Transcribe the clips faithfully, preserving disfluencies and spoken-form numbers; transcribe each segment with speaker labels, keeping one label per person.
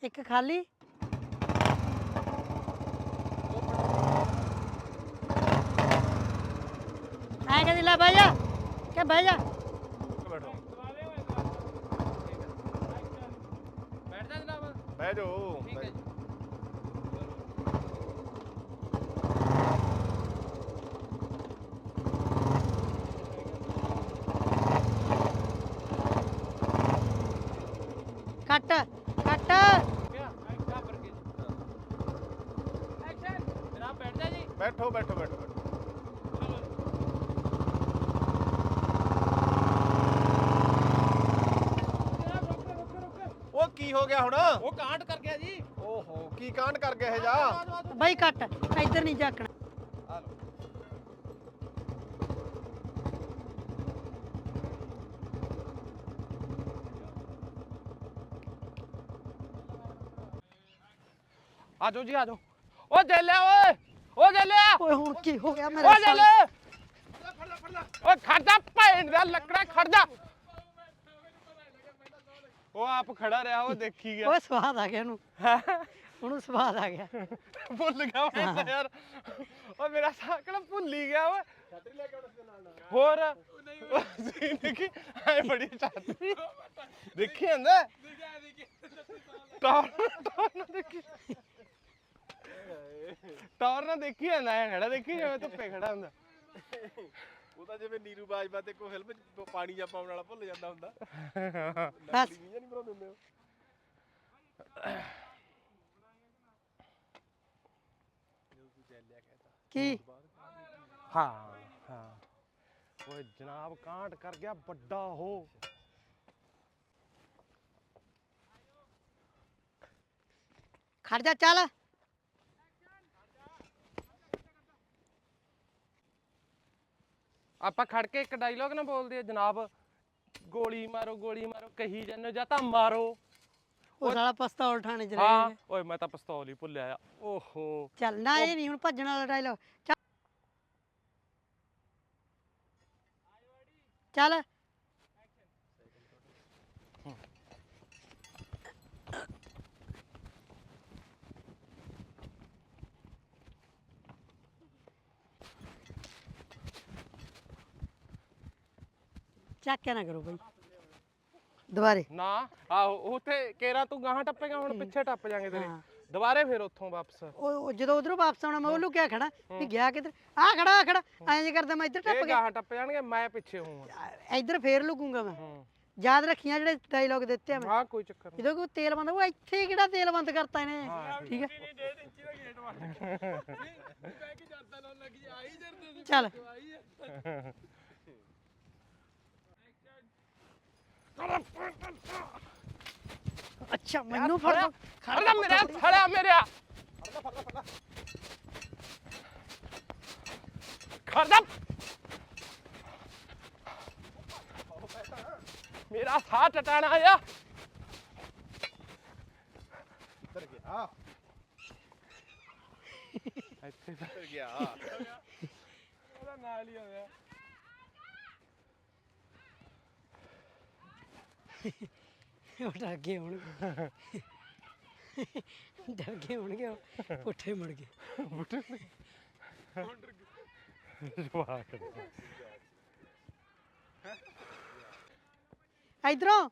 Speaker 1: ਇੱਕ ਖਾਲੀ ਐਂ ਕਹਿੰਦੀ ਲੈ ਬਹਿ ਜਾ ਕਿ ਬਹਿ ਜਾ
Speaker 2: ਬੈਠੋ
Speaker 3: ਬੈਠ ਜਾ ਜਨਾਬ।
Speaker 2: ਬਹਿ ਜਾਓ
Speaker 3: ਠੀਕ ਹੈ ਜੀ।
Speaker 1: ਕੱਟ ਕੱਟ
Speaker 3: ਕਿਆ ਐਕਸ਼ਨ ਪਰ ਕੇ ਐਕਸ਼ਨ ਜਨਾਬ ਬੈਠ ਜਾ ਜੀ।
Speaker 2: ਬੈਠੋ ਬੈਠੋ ਬੈਠੋ ਬੈਠੋ
Speaker 3: ਜਨਾਬ ਰੁਕ ਰੁਕ ਰੁਕ।
Speaker 2: ਉਹ ਕੀ ਹੋ ਗਿਆ ਹੁਣ
Speaker 3: ਉਹ ਕਾਂਡ ਕਰ ਗਿਆ ਜੀ।
Speaker 2: ਓਹੋ ਕੀ ਕਾਂਡ ਕਰ ਗਿਆ ਇਹ ਜਾ
Speaker 1: ਬਾਈ ਕੱਟ ਇੱਧਰ ਨਹੀਂ ਝਾਕਣਾ
Speaker 2: ਆ ਲਓ
Speaker 3: ਆ ਜਾਓ ਜੀ ਆ ਜਾਓ। ਓ ਜੇਲਿਆ ਓਏ ਓ ਜੇਲਿਆ
Speaker 1: ਓਏ ਹੁਣ ਕੀ ਹੋ ਗਿਆ
Speaker 3: ਓ
Speaker 1: ਮੇਰੇ ਸਾਲ
Speaker 3: ਜੇਲੇ ਓ ਖੜਦਾ ਭੈਣ ਦਾ ਲੱਕੜਾ ਖੜਦਾ। ਉਹ ਆਪ ਖੜਾ ਰਿਹਾ ਉਹ ਦੇਖੀ ਗਿਆ।
Speaker 1: ਓਏ ਸਵਾਦ ਆ ਗਿਆ ਉਹਨੂੰ ਉਹਨੂੰ ਸਵਾਦ ਆ ਗਿਆ
Speaker 3: ਭੁੱਲ ਗਿਆ ਮੈਂ ਤਾਂ ਯਾਰ। ਓ ਮੇਰਾ ਸਾਕਲ ਭੁੱਲ ਹੀ ਗਿਆ ਓਏ। ਛਤਰੀ ਲੈ ਕੇ ਆਉਣਾ ਸੀ ਨਾਲ ਹੋਰ ਨਹੀਂ ਦੇਖੀ ਐ ਬੜੀ ਛਤਰੀ ਦੇਖੀ ਜਾਂਦਾ ਟੌਰ ਟੌਰ ਨਾ ਦੇਖੀ ਟੌਰ ਨਾ ਦੇਖੀ ਜਾਂਦਾ ਐ ਖੜਾ ਦੇਖੀ ਜਿਵੇਂ ਧੁੱਪੇ ਖੜਾ ਹੁੰਦਾ।
Speaker 2: ਉਹ ਤਾਂ ਜਿਵੇਂ ਨੀਰੂ ਬਾਜਵਾ ਤੇ ਕੋਈ ਫਿਲਮ ਚ ਪਾਣੀ ਜਾਂ ਪਾਉਣ ਵਾਲਾ ਭੁੱਲ ਜਾਂਦਾ ਹੁੰਦਾ
Speaker 1: ਬਸ
Speaker 2: ਨਹੀਂ ਬਣਾਉਂਦੇ ਹੁੰਦੇ ਉਹ
Speaker 1: ਕੀ
Speaker 3: ਹਾਂ ਹਾਂ ਓਏ ਜਨਾਬ ਕਾਂਡ ਕਰ ਗਿਆ ਵੱਡਾ ਉਹ।
Speaker 1: ਖੜ ਜਾ ਚੱਲ
Speaker 3: ਆਪਾਂ ਖੜ ਕੇ ਇੱਕ ਡਾਇਲੋਗ ਨਾ ਬੋਲਦੇ ਆ ਜਨਾਬ ਗੋਲੀ ਮਾਰੋ ਗੋਲੀ ਮਾਰੋ ਕਹੀ ਜਾਂਦੇ ਜਾਂ ਤਾਂ ਮਾਰੋ।
Speaker 1: ਉਹ ਸਾਲਾ ਪਿਸਤੌਲ ਠਾਣੇ ਚ
Speaker 3: ਹਾਂ
Speaker 1: ਰਹਿ
Speaker 3: ਓਏ ਮੈਂ ਤਾਂ ਪਿਸਤੌਲ ਹੀ ਭੁੱਲਿਆ ਆ। ਓਹੋ
Speaker 1: ਚੱਲ ਨਾ ਇਹ ਨਹੀਂ ਹੁਣ ਭੱਜਣ ਵਾਲਾ ਡਾਇਲੋਗ ਚੱਲ ਚੱਕਿਆ ਨਾ ਕਰੋ ਬਾਈ ਦੁਬਾਰੇ
Speaker 3: ਨਾ ਆਹੋ ਉੱਥੇ ਕੇਰਾ ਤੂੰ ਗਾਹਾਂ ਟੱਪੇਗਾ ਹੁਣ ਪਿੱਛੇ ਟੱਪ ਜਾਾਂਗੇ ਤੇਰੇ
Speaker 1: ਹਾਂ।
Speaker 3: ਦੁਬਾਰੇ ਫਿਰ ਉੱਥੋਂ ਵਾਪਸ।
Speaker 1: ਉਹ ਉਹ ਜਦੋਂ ਉਧਰੋਂ ਵਾਪਸ ਆਉਣਾ ਮੈਂ ਉਹ ਲੁਕਿਆ ਖੜਾ ਵੀ ਗਿਆ ਕਿੱਧਰ ਆ ਖੜਾ ਆ ਖੜਾ ਐਂ ਜੇ ਕਰਦਾ ਮੈਂ ਇੱਧਰ ਟੱਪ
Speaker 3: ਇਹ
Speaker 1: ਗਿਆ
Speaker 3: ਗਾਹਾਂ ਟੱਪ ਜਾਣਗੇ ਮੈਂ ਪਿੱਛੇ ਹੋਊਂਗਾ।
Speaker 1: ਇੱਧਰ ਫੇਰ ਲੁਕੂੰਗਾ ਮੈਂ
Speaker 3: ਹੂੰ
Speaker 1: ਯਾਦ ਰੱਖੀਆਂ ਜਿਹੜੇ ਡਾਇਲੋਗ ਦਿੱਤੇ ਆ ਮੈਂ
Speaker 3: ਹਾਂ ਕੋਈ ਚੱਕਰ ਨਹੀਂ।
Speaker 1: ਜਦੋਂ ਕੋਈ ਤੇਲ ਬੰਦ ਉਹ ਇੱਥੇ ਕਿਹੜਾ ਤੇਲ ਬੰਦ ਕਰਤਾ ਇਹਨੇ
Speaker 3: ਹਾਂ,
Speaker 1: ਠੀਕ ਹੈ
Speaker 3: ਡੇਢ ਇੰਚੀ ਦਾ ਗੇਟ ਮਾਰ ਮੈਂ ਕੀ ਜਰਦਾ ਲਾਉਣ ਲੱਗੀ ਆਈ ਜਰਦੇ ਦੀ
Speaker 1: ਚੱਲ ਅੱਛਾ ਮੈਨੂੰ ਫੜ ਲਓ।
Speaker 3: ਖੜਾ ਮੇਰੇ ਖੜਾ ਮੇਰੇ ਖੜਾ ਮੇਰਾ ਸਾਹ ਟਟਾਣਾ ਆਇਆ।
Speaker 2: ਉੱਤਰ ਗਿਆ
Speaker 3: ਇੱਥੇ
Speaker 2: ਉੱਤਰ ਗਿਆ
Speaker 3: ਉਹਦਾ ਨਾਲ ਹੀ ਹੋਇਆ।
Speaker 1: ਉਹ ਡਰ ਗਏ ਹੋਣਗੇ ਡਰ ਗਏ ਹੋਣਗੇ ਉਹ ਪੁੱਠੇ ਮੁੜ ਗਏ
Speaker 3: ਜਵਾਕ
Speaker 1: ਇਧਰੋਂ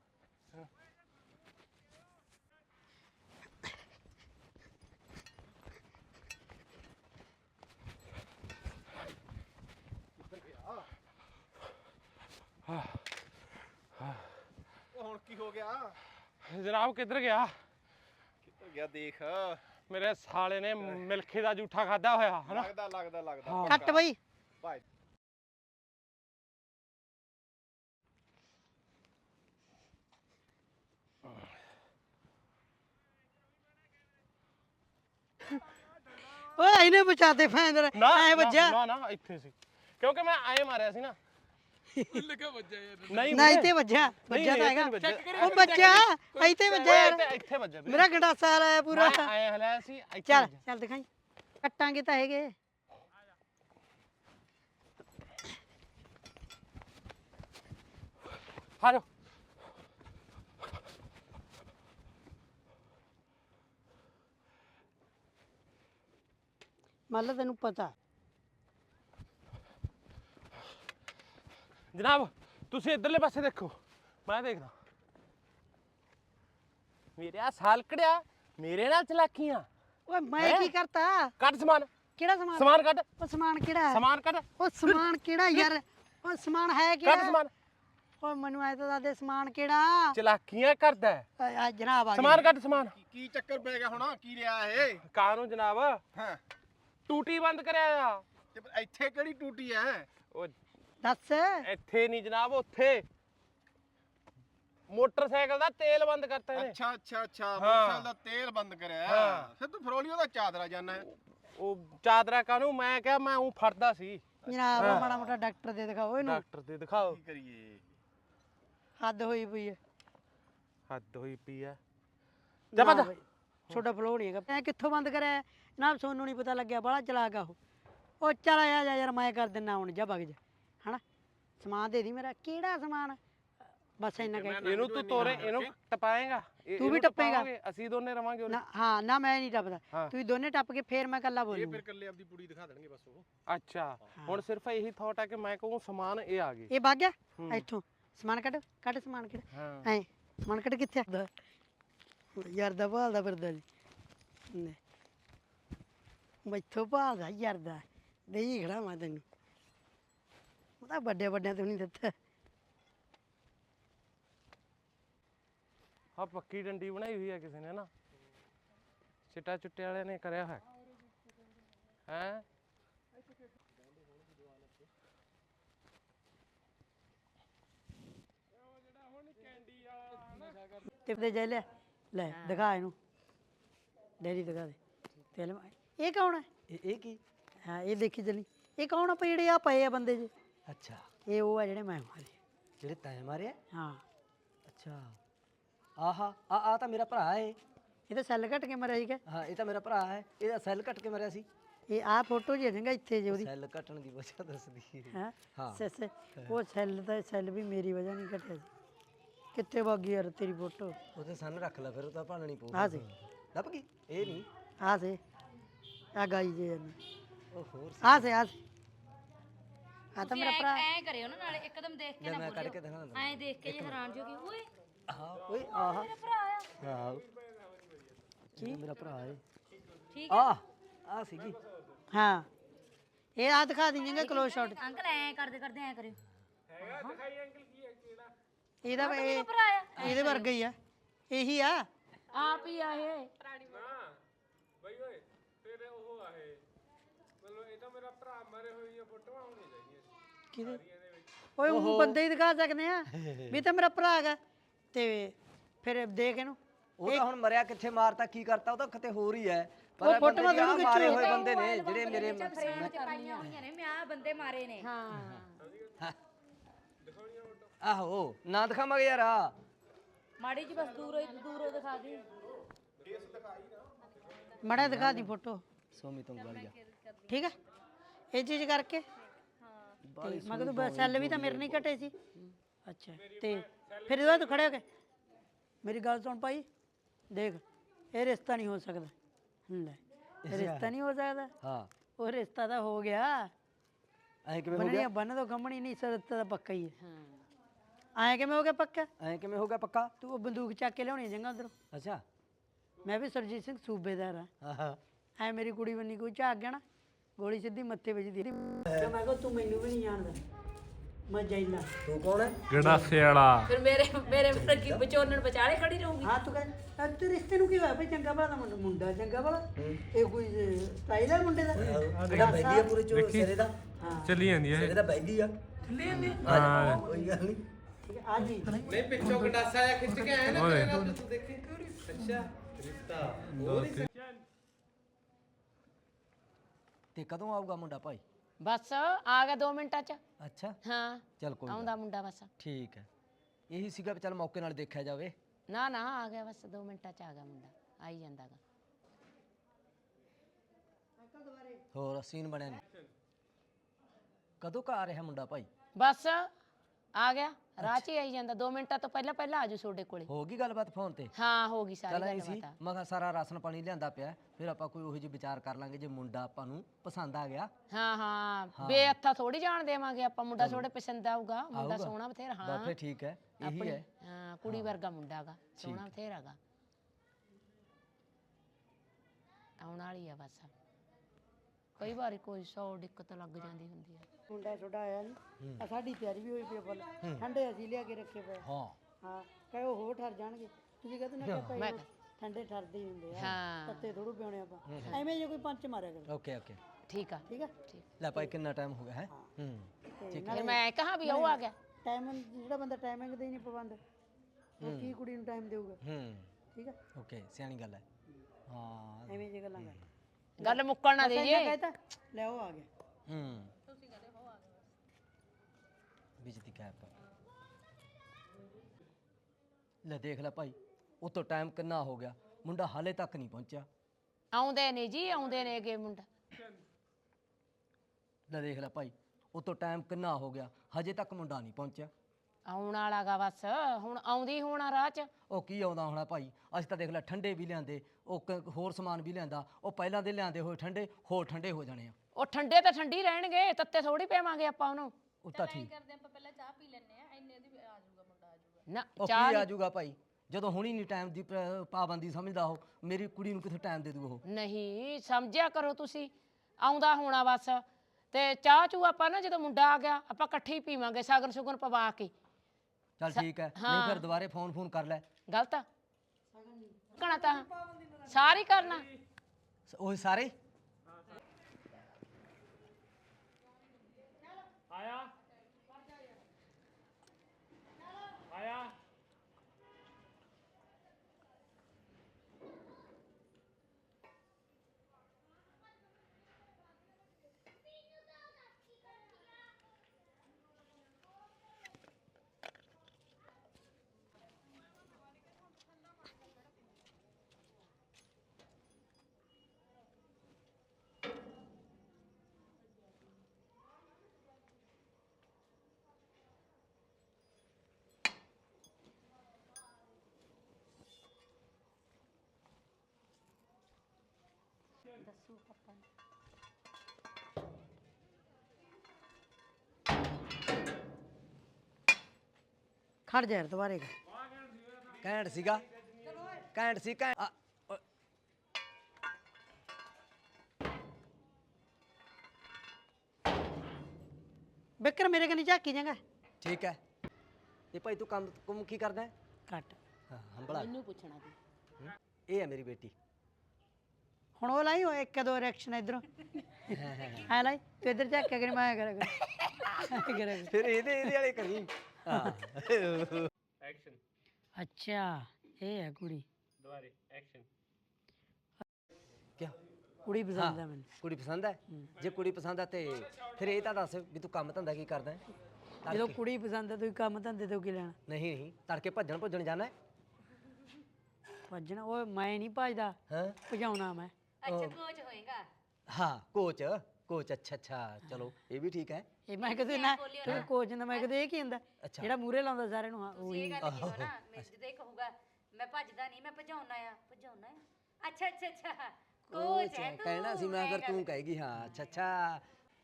Speaker 2: ਉਹ ਹੁਣ ਕੀ ਹੋ ਗਿਆ
Speaker 3: ਜਨਾਬ ਕਿੱਧਰ ਗਿਆ?
Speaker 2: ਕਿੱਧਰ ਗਿਆ ਦੇਖ
Speaker 3: ਮੇਰੇ ਸਾਲੇ ਨੇ ਮਿਲਖੇ ਦਾ ਜੂਠਾ ਖਾਦਾ ਹੋਇਆ ਹਨਾ।
Speaker 2: ਲੱਗਦਾ ਲੱਗਦਾ ਲੱਗਦਾ
Speaker 3: ਹਾਂ।
Speaker 1: ਕੱਟ ਬਈ
Speaker 2: ਭਾਈ
Speaker 1: ਓਏ ਇਹਨੇ ਬਚਾਤੇ ਫੈਂਦਰ
Speaker 3: ਨਾ
Speaker 1: ਐ
Speaker 3: ਨਾ,
Speaker 1: ਵੱਜਿਆ
Speaker 3: ਨਾ ਨਾ ਇੱਥੇ ਸੀ ਕਿਉਂਕਿ ਮੈਂ ਐਂ ਮਾਰਿਆ ਸੀ ਨਾ। ਲੱਗਾ ਵੱਜਿਆ ਯਾਰ। ਨਹੀਂ
Speaker 1: ਨਾ
Speaker 3: ਵੀਰੇ,
Speaker 1: ਇੱਥੇ ਵੱਜਿਆ
Speaker 3: ਨਹੀਂ,
Speaker 1: ਵੱਜਿਆ ਤਾਂ
Speaker 3: ਇੱਥੇ
Speaker 1: ਹੈਗਾ
Speaker 3: ਨਹੀਂ ਵੱਜਿਆ।
Speaker 1: ਉਹ ਬੱਚਾ ਇੱਥੇ ਵੱਜਿਆ ਯਾਰ
Speaker 3: ਇੱਥੇ- ਇੱਥੇ ਵੱਜਿਆ ਵੀਰੇ।
Speaker 1: ਮੇਰਾ ਗੰਡਾਸਾ ਆਇਆ ਪੂਰਾ
Speaker 3: ਮੈਂ ਐਂ ਹਲਾਇਆ ਸੀ ਇੱਥੇ
Speaker 1: ਚੱਲ
Speaker 3: ਵੱਜਿਆ।
Speaker 1: ਚੱਲ ਦਿਖਾਈ ਕੱਟਾਂਗੇ ਤਾਂ ਹੈਗੇ
Speaker 3: ਆ ਜਾਓ
Speaker 1: ਮੰਨ ਲਾ ਤੈਨੂੰ ਪਤਾ।
Speaker 3: ਜਨਾਬ ਤੁਸੀਂ ਇਧਰਲੇ ਪਾਸੇ ਦੇਖੋ, ਮੈਂ ਦੇਖਦਾ। ਮੇਰੇ ਆ ਸਾਲਕੜਿਆ, ਮੇਰੇ ਨਾਲ ਚਲਾਕੀਆਂ।
Speaker 1: ਓਏ ਮੈਂ ਕੀ ਕਰਤਾ?
Speaker 3: ਕੱਢ ਸਮਾਨ,
Speaker 1: ਕਿਹੜਾ ਸਮਾਨ?
Speaker 3: ਸਮਾਨ ਕੱਢ,
Speaker 1: ਉਹ ਸਮਾਨ ਕਿਹੜਾ ਹੈ?
Speaker 3: ਸਮਾਨ ਕੱਢ,
Speaker 1: ਉਹ ਸਮਾਨ ਕਿਹੜਾ ਯਾਰ? ਉਹ ਸਮਾਨ ਹੈ
Speaker 3: ਕੱਢ
Speaker 1: ਕਿਹੜਾ?
Speaker 3: ਸਮਾਨ।
Speaker 1: ਓਏ ਮੈਨੂੰ ਐ ਤਾਂ ਦੱਸ ਦੇ ਸਮਾਨ ਕਿਹੜਾ?
Speaker 3: ਚਲਾਕੀਆਂ ਕਰਦਾ ਹੈ।
Speaker 1: ਆ ਆ ਜਨਾਬ ਆ
Speaker 3: ਸਮਾਨ
Speaker 1: ਗਏ।
Speaker 3: ਕੱਢ ਸਮਾਨ।
Speaker 2: ਕੀ ਚੱਕਰ ਪੈ ਗਿਆ ਹੁਣ? ਕੀ ਲਿਆ ਇਹ?
Speaker 3: ਕਾਹਨੂੰ ਜਨਾਬ?
Speaker 2: ਹਾਂ
Speaker 3: ਟੂਟੀ ਬੰਦ ਕਰਿਆ ਆ।
Speaker 2: ਤੇ ਇੱਥੇ ਕਿਹੜੀ ਟੂਟੀ ਹੈ?
Speaker 3: ਉਹ
Speaker 1: ਦੱਸ।
Speaker 3: ਇੱਥੇ ਨਹੀਂ ਜਨਾਬ, ਉੱਥੇ ਮੋਟਰਸਾਈਕਲ ਦਾ ਤੇਲ ਬੰਦ ਕਰਤਾ ਇਹਨੇ।
Speaker 2: ਅੱਛਾ ਅੱਛਾ ਅੱਛਾ
Speaker 3: ਹਾਂ।
Speaker 2: ਮੋਟਰਸਾਈਕਲ ਦਾ ਤੇਲ ਬੰਦ ਕਰਿਆ।
Speaker 3: ਹਾਂ।
Speaker 2: ਫਿਰ ਤੂੰ ਫਰੋਲੀਓ ਦਾ ਚਾਦਰਾ ਜਾਣਾ ਹੈ।
Speaker 3: ਉਹ ਚਾਦਰਾ ਕਾਹਨੂੰ, ਮੈਂ ਕਿਹਾ ਮੈਂ ਉਹ ਫੜਦਾ ਸੀ।
Speaker 1: ਜਨਾਬ ਮਾੜਾ ਮੋਟਾ ਡਾਕਟਰ ਦੇ ਦਿਖਾਓ ਇਹਨੂੰ।
Speaker 3: ਡਾਕਟਰ ਦੇ ਦਿਖਾਓ।
Speaker 2: ਕੀ ਕਰੀਏ?
Speaker 1: ਹੱਦ ਹੋਈ ਪਈ ਹੈ।
Speaker 3: ਹੱਦ ਹੋਈ ਪਈ ਆ। ਜਾ ਭੱਜ।
Speaker 1: ਛੋਟਾ ਫਲੋ ਨਹੀਂ ਹੈਗਾ। ਐ ਕਿੱਥੋਂ ਬੰਦ ਕਰਿਆ? ਜਨਾਬ ਸੋਨੂੰ ਨਹੀਂ ਪਤਾ ਲੱਗਿਆ, ਬੜਾ ਚਲਾਕ ਆ ਉਹ। ਉਹ ਚੱਲ ਆ ਜਾ ਯਾਰ, ਮੈਂ ਕਰ ਦਿੰਦਾ ਹੁਣ, ਜਾ ਵਗ ਜਾ ਹਨਾ। ਸਮਾਨ ਦੇ ਦੀ ਮੇਰਾ। ਕਿਹੜਾ ਸਮਾਨ? ਬਸ ਇੰਨਾ ਕਹਿ।
Speaker 3: ਇਹਨੂੰ ਤੂੰ ਤੋਰੇ, ਇਹਨੂੰ ਟਪਾਏਗਾ।
Speaker 1: ਤੂੰ ਵੀ ਟੱਪੇਗਾ।
Speaker 3: ਅਸੀਂ ਦੋਨੇ ਰਵਾਂਗੇ।
Speaker 1: ਨਾ ਹਾਂ ਨਾ ਮੈਂ ਨਹੀਂ ਟੱਪਦਾ।
Speaker 3: ਹਾਂ।
Speaker 1: ਤੁਸੀਂ ਦੋਨੇ ਟੱਪ ਕੇ ਫੇਰ ਮੈਂ ਕੱਲਾ
Speaker 2: ਇਹ
Speaker 1: ਬੋਲੂੰਗਾ।
Speaker 2: ਫਿਰ ਇਕੱਲੇ ਆਪਦੀ ਪੂੜੀ ਦਿਖਾ ਦੇਣਗੇ ਬਸ ਉਹ।
Speaker 3: ਅੱਛਾ ਹੁਣ ਸਿਰਫ ਇਹੀ ਥਾਟ ਹੈ ਕਿ ਮੈਂ ਕਹੂੰ ਸਮਾਨ ਇਹ ਆ ਗਏ।
Speaker 1: ਇਹ ਵਗ ਗਿਆ
Speaker 3: ਹੂੰ।
Speaker 1: ਇੱਥੋਂ। ਸਮਾਨ ਕੱਢ ਕੱਢ ਸਮਾਨ ਕੱਢ।
Speaker 3: ਹਾਂ
Speaker 1: ਐ ਸਮਾਨ ਕੱਢ ਕਿੱਥੇ ਆ? ਯਾਰ ਦਾ ਭਾਲਦਾ ਫਿਰਦਾ ਜੀ। ਮੈਥੋਂ ਭਾਲਦਾ ਯਾਰ ਦਾ। ਦੇਈ ਖੜਾ ਮੈਂ ਤੈਨੂੰ। ਉਹ ਤਾਂ ਵੱਡੇ ਵੱਡਿਆਂ ਤੋਂ ਨਹੀਂ ਦਿੱਤਾ।
Speaker 3: ਆ ਪੱਕੀ ਡੰਡੀ ਬਣਾਈ ਹੋਈ ਹੈ ਕਿਸੇ ਨੇ ਨਾ, ਚਿੱਟਾ ਚੁੱਟੇ ਵਾਲਿਆਂ ਨੇ ਕਰਿਆ ਹੈ ਹੈ
Speaker 1: ਟਿਪ ਦੇ ਜਾ ਲੈ ਲੈ ਦਿਖਾ ਇਹਨੂੰ। ਡੈਡੀ ਦਿਖਾ ਦੇ ਤੇਲ। ਇਹ ਕੌਣ ਹੈ?
Speaker 4: ਇਹ ਇਹ ਕੀ?
Speaker 1: ਹਾਂ ਇਹ ਦੇਖੀ ਚੱਲੀ। ਇਹ ਕੌਣ ਆ? ਪਏ ਜਿਹੜੇ ਆ ਪਏ ਆ ਬੰਦੇ ਜੇ।
Speaker 4: ਅੱਛਾ
Speaker 1: ਇਹ ਉਹ ਆ ਜਿਹੜੇ ਮੈਂ ਮਾਰੇ।
Speaker 4: ਜਿਹੜੇ ਤੈਂ ਮਾਰਿਆ?
Speaker 1: ਹਾਂ
Speaker 4: ਅੱਛਾ ਆਹਾ ਆ ਆ ਤਾਂ ਮੇਰਾ ਭਰਾ ਹੈ।
Speaker 1: ਇਹ ਤਾਂ ਸੈੱਲ ਘਟ ਕੇ ਮਰਿਆ ਸੀਗਾ।
Speaker 4: ਹਾਂ ਇਹ ਤਾਂ ਮੇਰਾ ਭਰਾ ਹੈ। ਇਹਦਾ ਸੈੱਲ ਕੱਟ ਕੇ ਮਰਿਆ ਸੀ।
Speaker 1: ਇਹ ਆ ਫੋਟੋ ਜੀ ਹੈਗਾ ਇੱਥੇ ਜੇ ਉਹਦੀ।
Speaker 4: ਸੈੱਲ ਕੱਟਣ ਦੀ ਵਜ੍ਹਾ ਦੱਸਦੀ ਹੈ।
Speaker 1: ਹਾਂ
Speaker 4: ਹਾਂ।
Speaker 1: ਸੇ ਸੇ ਉਹ ਸੈੱਲ ਤਾਂ ਸੈੱਲ ਵੀ ਮੇਰੀ ਵਜ੍ਹਾ ਨਹੀਂ ਘਟਿਆ ਸੀ। ਕਿੱਥੇ ਵਗ ਗਈ ਯਾਰ ਤੇਰੀ ਫੋਟੋ?
Speaker 4: ਉਹਦੇ ਸੰਨ ਰੱਖ ਲੈ, ਫਿਰ ਉਹ ਤਾਂ ਭਾਲਣੀ ਪਊ।
Speaker 1: ਆ ਸੀ।
Speaker 4: ਲੱਭ ਗਈ? ਇਹ ਨਹੀਂ।
Speaker 1: ਆ ਸੇ ਆ ਗਾਈ ਜੇ
Speaker 4: ਉਹ ਹੋਰ
Speaker 1: ਆ ਸੇ ਆ ਸੇ ਆ ਤਾਂ ਮੇਰਾ ਭਰਾ।
Speaker 5: ਐ ਕਰਿਓ ਨਾ, ਨਾਲੇ ਇੱਕਦਮ ਦੇਖ ਕੇ
Speaker 4: ਲੈ
Speaker 5: ਨਾ
Speaker 4: ਮੈਂ ਕੱਢ
Speaker 5: ਬੋਲਿਓ।
Speaker 4: ਕੇ ਦਿਖਾ ਦਿੰਦਾ।
Speaker 5: ਐ ਦੇਖ ਕੇ ਜੇ ਹੈਰਾਨ ਜੋਗੀ ਓਏ
Speaker 4: ਹਾਂ ਓਏ ਆਹਾ
Speaker 5: ਮੇਰਾ ਭਰਾ ਆ।
Speaker 4: ਹਾਂ ਕੀ ਮੇਰਾ ਭਰਾ ਹੈ।
Speaker 5: ਠੀਕ
Speaker 4: ਆ ਆ ਸੀਗੀ।
Speaker 1: ਹਾਂ ਇਹ ਆ ਦਿਖਾ ਦਿੰਗੇ ਕਲੋਜ਼ ਸ਼ਾਟ।
Speaker 5: ਅੰਕਲ ਐ ਕਰਦੇ ਕਰਦੇ ਐ ਕਰਿਓ।
Speaker 1: ਇਹਦਾ ਇਹ
Speaker 5: ਭਰਾ ਆ
Speaker 1: ਇਹਦੇ ਵਰਗਾ ਹੀ ਆ। ਇਹੀ ਆ।
Speaker 5: ਆਪ ਹੀ ਆ ਇਹ।
Speaker 1: ਕਿਹਦੇ? ਓਏ ਉਹ ਬੰਦੇ ਹੀ ਦਿਖਾ ਸਕਦੇ ਆ ਵੀ ਤਾਂ ਮੇਰਾ ਭਰਾ ਹੈਗਾ। ਤੇ ਫਿਰ ਦੇਖ ਇਹਨੂੰ।
Speaker 4: ਉਹ ਤਾਂ ਹੁਣ ਮਰਿਆ ਕਿੱਥੇ, ਮਾਰਤਾ ਕੀ ਕਰਤਾ, ਉਹ ਤਾਂ ਕਿਤੇ ਹੋਰ ਹੀ ਹੈ।
Speaker 1: ਉਹ
Speaker 4: ਪਰ
Speaker 1: ਫੋਟੋਆਂ
Speaker 4: ਬੰਦੇ
Speaker 1: ਜ਼ਰੂਰ
Speaker 4: ਆਹ ਮਾਰੇ
Speaker 1: ਖਿੱਚੋ।
Speaker 4: ਹੋਏ ਬੰਦੇ ਨੇ ਜਿਹੜੇ ਮੇਰੇ
Speaker 5: ਫਰੇਮ ਚ ਪਾਈਆਂ ਹੋਈਆਂ ਨੇ, ਮੈਂ ਆ ਬੰਦੇ ਮਾਰੇ ਨੇ।
Speaker 1: ਹਾਂ
Speaker 4: ਆਹੋ ਨਾ ਦਿਖਾਵਾਂਗੇ ਯਾਰ। ਆ
Speaker 5: ਮਾੜੀ ਜੀ ਬਸ ਦੂਰੋਂ ਦੂਰੋਂ ਦਿਖਾ ਦੀ।
Speaker 1: ਮੜਾ ਦਿਖਾ ਦੀ ਫੋਟੋ।
Speaker 4: ਸੋਮੀ ਤੁਮ ਗੱਲ ਜਾ।
Speaker 1: ਠੀਕ ਹੈ ਇਹ ਚੀਜ਼ ਕਰਕੇ। ਤੇ ਮੈਂ ਕਿਹਾ ਸੈੱਲ ਵੀ ਤਾਂ ਮੇਰੇ ਨਹੀਂ ਘਟੇ ਸੀ। ਅੱਛਾ ਤੇ ਫਿਰ ਇਹਦਾ ਤੂੰ ਖੜੇ ਹੋ ਕੇ ਮੇਰੀ ਗੱਲ ਸੁਣ ਭਾਈ। ਦੇਖ ਇਹ ਰਿਸ਼ਤਾ ਨਹੀਂ ਹੋ ਸਕਦਾ। ਲੈ ਇਹ ਰਿਸ਼ਤਾ ਨਹੀਂ ਹੋ ਸਕਦਾ।
Speaker 4: ਹਾਂ
Speaker 1: ਉਹ ਰਿਸ਼ਤਾ ਤਾਂ ਹੋ ਗਿਆ।
Speaker 4: ਐ ਕਿਵੇਂ ਹੋ
Speaker 1: ਬੰਨਣੀ
Speaker 4: ਗਿਆ?
Speaker 1: ਬੰਨ ਤੋਂ ਕੰਮਣੀ ਨਹੀਂ ਰਿਸ਼ਤਾ ਤਾਂ ਪੱਕਾ ਹੀ ਹੈ। ਐਂ ਕਿਵੇਂ ਹੋ ਗਿਆ ਪੱਕਾ?
Speaker 4: ਐ ਕਿਵੇਂ ਹੋ ਗਿਆ ਪੱਕਾ?
Speaker 1: ਤੂੰ ਉਹ ਬੰਦੂਕ ਚੱਕ ਕੇ ਲਿਆਉਣੀ ਚੰਗਾ ਉਧਰੋਂ।
Speaker 4: ਅੱਛਾ
Speaker 1: ਮੈਂ ਵੀ ਸਰਜੀਤ ਸਿੰਘ ਸੂਬੇਦਾਰ ਆ।
Speaker 4: ਹਾਂ ਹਾਂ
Speaker 1: ਐ ਮੇਰੀ ਕੁੜੀ ਬੰਨੀ ਕੋਈ ਝਾਕ ਗਿਆ ਨਾ, ਗੋਲੀ ਸਿੱਧੀ ਮੱਥੇ ਵੱਜਦੀ। ਮੈਂ ਕਿਹਾ ਤੂੰ ਮੈਨੂੰ ਵੀ ਨਹੀਂ ਜਾਣਦਾ, ਮੈਂ ਜੈਲਾ।
Speaker 4: ਤੂੰ ਕੌਣ ਹੈ?
Speaker 3: ਗੜਾਸੇ ਵਾਲਾ।
Speaker 5: ਫਿਰ ਮੇਰੇ ਮੇਰੇ ਵਰਗੀ ਵਿਚੋਲਣ ਵਿਚਾਲੇ ਖੜੀ ਰਹੂਗੀ।
Speaker 1: ਹਾਂ ਤੂੰ ਕਹਿੰਦਾ ਤੇ ਰਿਸ਼ਤੇ ਨੂੰ ਕੀ ਹੋਇਆ ਭਈ? ਚੰਗਾ ਭਲਾ ਦਾ ਮੁੰਡਾ ਮੁੰਡਾ ਚੰਗਾ ਭਲਾ। ਇਹ ਕੋਈ ਸਟਾਈਲ ਹੈ ਮੁੰਡੇ ਦਾ?
Speaker 4: ਜਿਹੜਾ ਬੈਲੀ ਆ ਪੂਰੇ ਚੋ ਸਿਰੇ ਦਾ।
Speaker 1: ਹਾਂ
Speaker 3: ਚੱਲੀ ਜਾਂਦੀ ਹੈ
Speaker 4: ਸਿਰੇ ਦਾ ਬੈਲੀ ਆ।
Speaker 1: ਚੱਲੀ ਜਾਂਦੀ।
Speaker 4: ਹਾਂ ਕੋਈ ਗੱਲ ਨਹੀਂ।
Speaker 1: ਠੀਕ ਹੈ ਆ ਜੀ।
Speaker 3: ਨਹੀਂ ਪਿੱਛੋਂ ਗੜਾਸਾ ਜਾਂ ਖਿੱਚ ਕੇ ਆਇਆ ਨਾ ਤੇਰੇ ਨਾਲ, ਤੂੰ ਦੇਖੀ। ਅੱਛਾ ਰਿਸ਼ਤਾ ਹੋਰ ਹੀ।
Speaker 4: ਤੇ ਕਦੋਂ ਆਊਗਾ ਮੁੰਡਾ ਭਾਈ?
Speaker 5: ਬਸ ਆ ਗਿਆ ਦੋ ਮਿੰਟਾਂ ਚ।
Speaker 4: ਅੱਛਾ
Speaker 5: ਹਾਂ
Speaker 4: ਚੱਲ ਕੋਈ
Speaker 5: ਆਉਂਦਾ ਮੁੰਡਾ ਬਸ।
Speaker 4: ਠੀਕ ਹੈ। ਇਹੀ ਸੀਗਾ ਵੀ ਚੱਲ ਮੌਕੇ ਨਾਲ ਦੇਖਿਆ ਜਾਵੇ।
Speaker 5: ਨਾ ਨਾ ਆ ਗਿਆ ਬਸ ਦੋ ਮਿੰਟਾਂ ਚ ਆ ਗਿਆ ਮੁੰਡਾ, ਆਈ ਜਾਂਦਾਗਾ।
Speaker 4: ਹੋਰ ਸੀਨ ਬਣਿਆ ਨਹੀਂ। ਕਦੋਂ ਕਾ ਆ ਰਿਹਾ ਮੁੰਡਾ ਭਾਈ?
Speaker 5: ਬਸ ਆ ਗਿਆ ਰਾਹ 'ਚ ਹੀ ਆਈ ਜਾਂਦਾ ਦੋ ਮਿੰਟਾਂ ਤੋਂ ਪਹਿਲਾਂ ਪਹਿਲਾਂ ਆਜੂ ਤੁਹਾਡੇ ਕੋਲੇ
Speaker 4: ਹੋ ਗਈ ਗੱਲਬਾਤ ਫੋਨ ਤੇ
Speaker 5: ਹਾਂ ਹੋ ਗਈ ਸਾਰੀ
Speaker 4: ਚੱਲ ਐ ਸੀ
Speaker 5: ਗੱਲਬਾਤ
Speaker 4: ਮੈਂ ਕਿਹਾ ਸਾਰਾ ਰਾਸ਼ਨ ਪਾਣੀ ਲਿਆਂਦਾ ਪਿਆ ਫਿਰ ਆਪਾਂ ਕੋਈ ਉਹੋ ਜਿਹੀ ਵਿਚਾਰ ਕਰ ਲਾਂਗੇ ਜੇ ਮੁੰਡਾ ਆਪਾਂ ਨੂੰ ਪਸੰਦ ਆ ਗਿਆ
Speaker 5: ਹਾਂ ਹਾਂ ਬੇਅੱਥਾ ਥੋੜੀ ਜਾਣ ਦੇਵਾਂਗੇ ਆਪਾਂ ਮੁੰਡਾ ਥੋੜੇ ਪਸੰਦ ਆਊਗਾ ਮੁੰਡਾ
Speaker 4: ਆਊਗਾ।
Speaker 5: ਸੋਹਣਾ ਬਥੇਰਾ
Speaker 4: ਬਸ
Speaker 5: ਹਾਂ
Speaker 4: ਫਿਰ ਠੀਕ ਹੈ ਇਹੀ
Speaker 5: ਆਪਣੀ
Speaker 4: ਹੈ
Speaker 5: ਹਾਂ ਕੁੜੀ ਵਰਗਾ ਮੁੰਡਾ ਗਾ ਸੋਹਣਾ ਬਥੇਰਾ ਗਾ ਆਉਣ ਵਾਲੀ ਆ ਬਸ ਕਈ ਵਾਰੀ ਕੋਈ ਸੌ ਦਿੱਕਤ ਲੱਗ ਜਾਂਦੀ ਹੁੰਦੀ ਆ
Speaker 1: ਮੁੰਡਾ ਛੋਟਾ ਆਇਆ ਨਹੀਂ ਆ ਸਾਡੀ ਤਿਆਰੀ ਵੀ ਹੋਈ ਪਈ ਆ ਫੁੱਲ ਠੰਡੇ ਅਸੀਂ ਲਿਆ ਕੇ ਰੱਖੇ ਪਏ ਆ।
Speaker 4: ਹਾਂ
Speaker 1: ਹਾਂ ਕਹੇ ਉਹ ਹੋਰ ਠਰ ਜਾਣਗੇ ਤੁਸੀਂ ਕਹਿੰਦੇ ਨਾ ਕਿ ਭਾਈ ਉਹ ਠੰਡੇ ਠਰਦੇ ਹੀ ਹੁੰਦੇ ਆ
Speaker 5: ਹਾਂ
Speaker 1: ਤੱਤੇ ਥੋੜੂ ਪਿਉਣੇ ਆਪਾਂ ਐਵੇਂ ਜੇ ਕੋਈ ਪੰਚ ਮਾਰਿਆ ਕਰ
Speaker 4: ਓਕੇ ਓਕੇ
Speaker 5: ਠੀਕ ਆ
Speaker 1: ਠੀਕ ਆ
Speaker 4: ਲੈ ਭਾਈ ਕਿੰਨਾ ਟਾਈਮ ਹੋ ਗਿਆ ਹੈ ਹੂੰ
Speaker 5: ਫਿਰ ਮੈਂ ਕਹਾਂ ਵੀ ਉਹ ਆ ਗਿਆ
Speaker 1: ਟਾਈਮ ਜਿਹੜਾ ਬੰਦਾ ਟਾਈਮਿੰਗ ਦੇ ਹੀ ਨਹੀਂ ਪਾਬੰਦ ਉਹ ਕੀ ਕੁੜੀ ਨੂੰ ਟਾਈਮ ਦੇਊਗਾ
Speaker 4: ਹੂੰ
Speaker 1: ਠੀਕ ਆ
Speaker 4: ਓਕੇ ਸਿਆਣੀ ਗੱਲ ਹੈ ਹਾਂ
Speaker 1: ਐਵੇਂ ਜੇ ਗੱਲਾਂ ਕਰ
Speaker 5: ਗੱਲ ਮੁੱਕਣ ਨਾ ਦੇਈਏ
Speaker 1: ਕਹਿੰਦਾ ਲੈ ਉਹ ਆ ਗਿਆ
Speaker 4: ਹੂੰ ਤੁਸੀਂ ਕਹਿੰਦੇ ਹੋ ਆ ਗਿਆ ਵਿੱਚ ਦੀ ਕੈਪ ਲੈ ਦੇਖ ਲੈ ਭਾਈ ਉਤੋਂ ਟਾਈਮ ਕਿੰਨਾ ਹੋ ਗਿਆ ਮੁੰਡਾ ਹਾਲੇ ਤੱਕ ਨਹੀਂ ਪਹੁੰਚਿਆ
Speaker 5: ਆਉਂਦੇ ਨੇ ਜੀ ਆਉਂਦੇ ਨੇ ਅੱਗੇ ਮੁੰਡਾ
Speaker 4: ਲੈ ਦੇਖ ਲੈ ਭਾਈ ਉਤੋਂ ਟਾਈਮ ਕਿੰਨਾ ਹੋ ਗਿਆ ਹਜੇ ਤੱਕ ਮੁੰਡਾ ਨਹੀਂ ਪਹੁੰਚਿਆ
Speaker 5: ਆਉਣ ਵਾਲਾ ਗਾ ਬਸ ਹੁਣ ਆਉਂਦੀ ਹੋਣਾ ਰਾਹ 'ਚ
Speaker 4: ਉਹ ਕੀ ਆਉਂਦਾ ਹੋਣਾ ਭਾਈ ਅਸੀਂ ਤਾਂ ਦੇਖ ਲੈ ਠੰਡੇ ਵੀ ਲਿਆਂਦੇ ਉਹ ਕ- ਹੋਰ ਸਮਾਨ ਵੀ ਲਿਆਂਦਾ ਉਹ ਪਹਿਲਾਂ ਦੇ ਲਿਆਂਦੇ ਹੋਏ ਠੰਡੇ ਹੋਰ ਠੰਡੇ ਹੋ ਜਾਣੇ ਆ
Speaker 5: ਉਹ ਠੰਡੇ ਤਾਂ ਠੰਡੀ ਰਹਿਣਗੇ ਤੱਤੇ ਥੋੜੀ ਪੀਵਾਂਗੇ ਆਪਾਂ ਉਹਨੂੰ
Speaker 4: ਉਹ ਤਾਂ ਠੀਕ
Speaker 6: ਕਰਦੇ ਆਪਾਂ ਪਹਿਲਾਂ ਚਾਹ ਪੀ ਲੈਣੇ ਆ ਇੰਨੇ ਦੀ ਆ ਜਾਊਗਾ ਮੁੰਡਾ ਆ ਜਾਊਗਾ
Speaker 5: ਨਾ
Speaker 4: ਉਹ
Speaker 5: ਚਾਹ
Speaker 4: ਕੀ ਆ ਜਾਊਗਾ ਭਾਈ ਜਦੋਂ ਹੁਣੀ ਨਹੀਂ ਟਾਈਮ ਦੀ ਪ- ਪਾਬੰਦੀ ਸਮਝਦਾ ਉਹ ਮੇਰੀ ਕੁੜੀ ਨੂੰ ਕਿੱਥੇ ਟਾਈਮ ਦੇ ਦੂ ਉਹ
Speaker 5: ਨਹੀਂ ਸਮਝਿਆ ਕਰੋ ਤੁਸੀਂ ਆਉਂਦਾ ਹੋਣਾ ਬਸ ਤੇ ਚਾਹ ਚੂ ਆਪਾਂ ਨਾ ਜਦੋਂ ਮੁੰਡਾ ਆ ਗਿਆ ਆਪਾਂ ਇਕੱਠੇ ਹੀ ਪੀਵਾਂਗੇ ਸਾਗਰ ਸੁਗਨ ਪਵਾ ਕੇ
Speaker 4: ਚੱਲ ਠੀਕ ਹੈ ਨਹੀਂ ਫਿਰ ਦੁਬਾਰੇ ਫੋਨ ਫੋਨ ਕਰ ਲੈ
Speaker 5: ਗਲਤ ਆ ਕਹਣਾ ਤਾਂ ਸਾਰੀ ਕਰਨਾ
Speaker 4: ਸ- ਉਹ ਸਾਰੇ
Speaker 3: ਆਇਆ ਆਇਆ
Speaker 1: ਖੜ ਜਾ ਯਾਰ ਦੁਬਾਰੇ ਕਰ
Speaker 4: ਘੈਂਟ ਸੀਗਾ ਘੈਂਟ ਸੀ ਘੈਂਟ ਆ, ਓ-
Speaker 1: ਬਿਕਰ ਮੇਰੇ ਕਨੀ ਝਾਕੀ ਜਾਂਗਾ
Speaker 4: ਠੀਕ ਹੈ ਇਹ ਭਾਈ ਤੂੰ ਕੰਮ ਕੁਮ ਕੀ ਕਰਦਾ ਹੈ
Speaker 1: ਕੱਟ
Speaker 4: ਹਾਂ ਹੰਬਲਾ
Speaker 5: ਮੈਨੂੰ ਪੁੱਛਣਾ ਤੂੰ
Speaker 4: ਇਹ ਹੈ ਮੇਰੀ ਬੇਟੀ
Speaker 1: ਹੁਣ ਉਹ ਲਾਈ ਉਹ ਇੱਕ ਦੋ ਰਿਐਕਸ਼ਨ ਇਧਰੋਂ ਐ ਲਾਈ ਤੂੰ ਇਧਰ ਝਾਕਿਆ ਕਰੀ ਮੈਂ ਕਰਿਆ ਕਰ ਕਰਿਆ ਕਰ
Speaker 4: ਫਿਰ ਇਹਦੇ ਇਹਦੇ ਵਾਲੇ ਕਰੀ ਹਾਂ
Speaker 3: ਐਕਸ਼ਨ
Speaker 1: ਅੱਛਾ ਇਹ ਹੈ ਕੁੜੀ
Speaker 3: ਦੁਬਾਰੇ ਐਕਸ਼ਨ
Speaker 4: ਕੀ
Speaker 1: ਕੁੜੀ ਪਸੰਦ ਹੈ ਮੈਨੂੰ
Speaker 4: ਕੁੜੀ ਪਸੰਦ ਹੈ ਜੇ ਕੁੜੀ ਪਸੰਦ ਹੈ ਤੇ ਫਿਰ ਇਹ ਤਾਂ ਦੱਸ ਵੀ ਤੂੰ ਕੰਮ ਧੰਦਾ ਕੀ ਕਰਦਾ ਹੈ
Speaker 1: ਜਦੋਂ ਕੁੜੀ ਪਸੰਦ ਹੈ ਤੁਸੀਂ ਕੰਮ ਧੰਦੇ ਤੋਂ ਕੀ ਲੈਣਾ
Speaker 4: ਨਹੀਂ ਨਹੀਂ ਤੜਕੇ ਭੱਜਣ ਭੱਜਣ ਜਾਣਾ ਹੈ
Speaker 1: ਭੱਜਣਾ ਓਏ ਮੈਂ ਨਹੀਂ ਭੱਜਦਾ
Speaker 4: ਹਾਂ
Speaker 1: ਭਜਾਉਣਾ ਮੈਂ
Speaker 6: ਅੱਛਾ ਕੋਚ ਹੋਏਗਾ
Speaker 4: ਹਾਂ ਕੋਚ ਕੋਚ ਅੱਛਾ ਅੱਛਾ ਚਲੋ ਇਹ ਵੀ ਠੀਕ ਹੈ
Speaker 1: ਇਹ ਮੈਂ ਕਦੇ ਨਾ ਤੂੰ ਕੋਚ ਨਾ ਮੈਂ ਕਦੇ ਇਹ ਕੀ ਹੁੰਦਾ
Speaker 4: ਅੱਛਾ।
Speaker 1: ਜਿਹੜਾ ਮੂਰੇ ਲਾਉਂਦਾ ਸਾਰਿਆਂ ਨੂੰ ਹਾਂ ਉਹੀ
Speaker 6: ਇਹ ਗੱਲ ਕਿਹੋ ਨਾ ਮੈਂ ਜਦੋਂ ਇਹ ਕਹੂਗਾ ਮੈਂ ਭੱਜਦਾ ਨਹੀਂ ਮੈਂ ਭਜਾਉਣਾ ਆ ਭਜਾਉਣਾ ਆ ਅੱਛਾ ਅੱਛਾ ਅੱਛਾ ਕੋਚ
Speaker 4: ਕੋਚ
Speaker 6: ਹੈ
Speaker 4: ਹੈ
Speaker 6: ਤੂੰ
Speaker 4: ਕਹਿਣਾ ਸੀ ਮੈਂ ਅਗਰ ਤੂੰ ਕਹੇਗੀ ਹਾਂ ਅੱਛਾ ਅੱਛਾ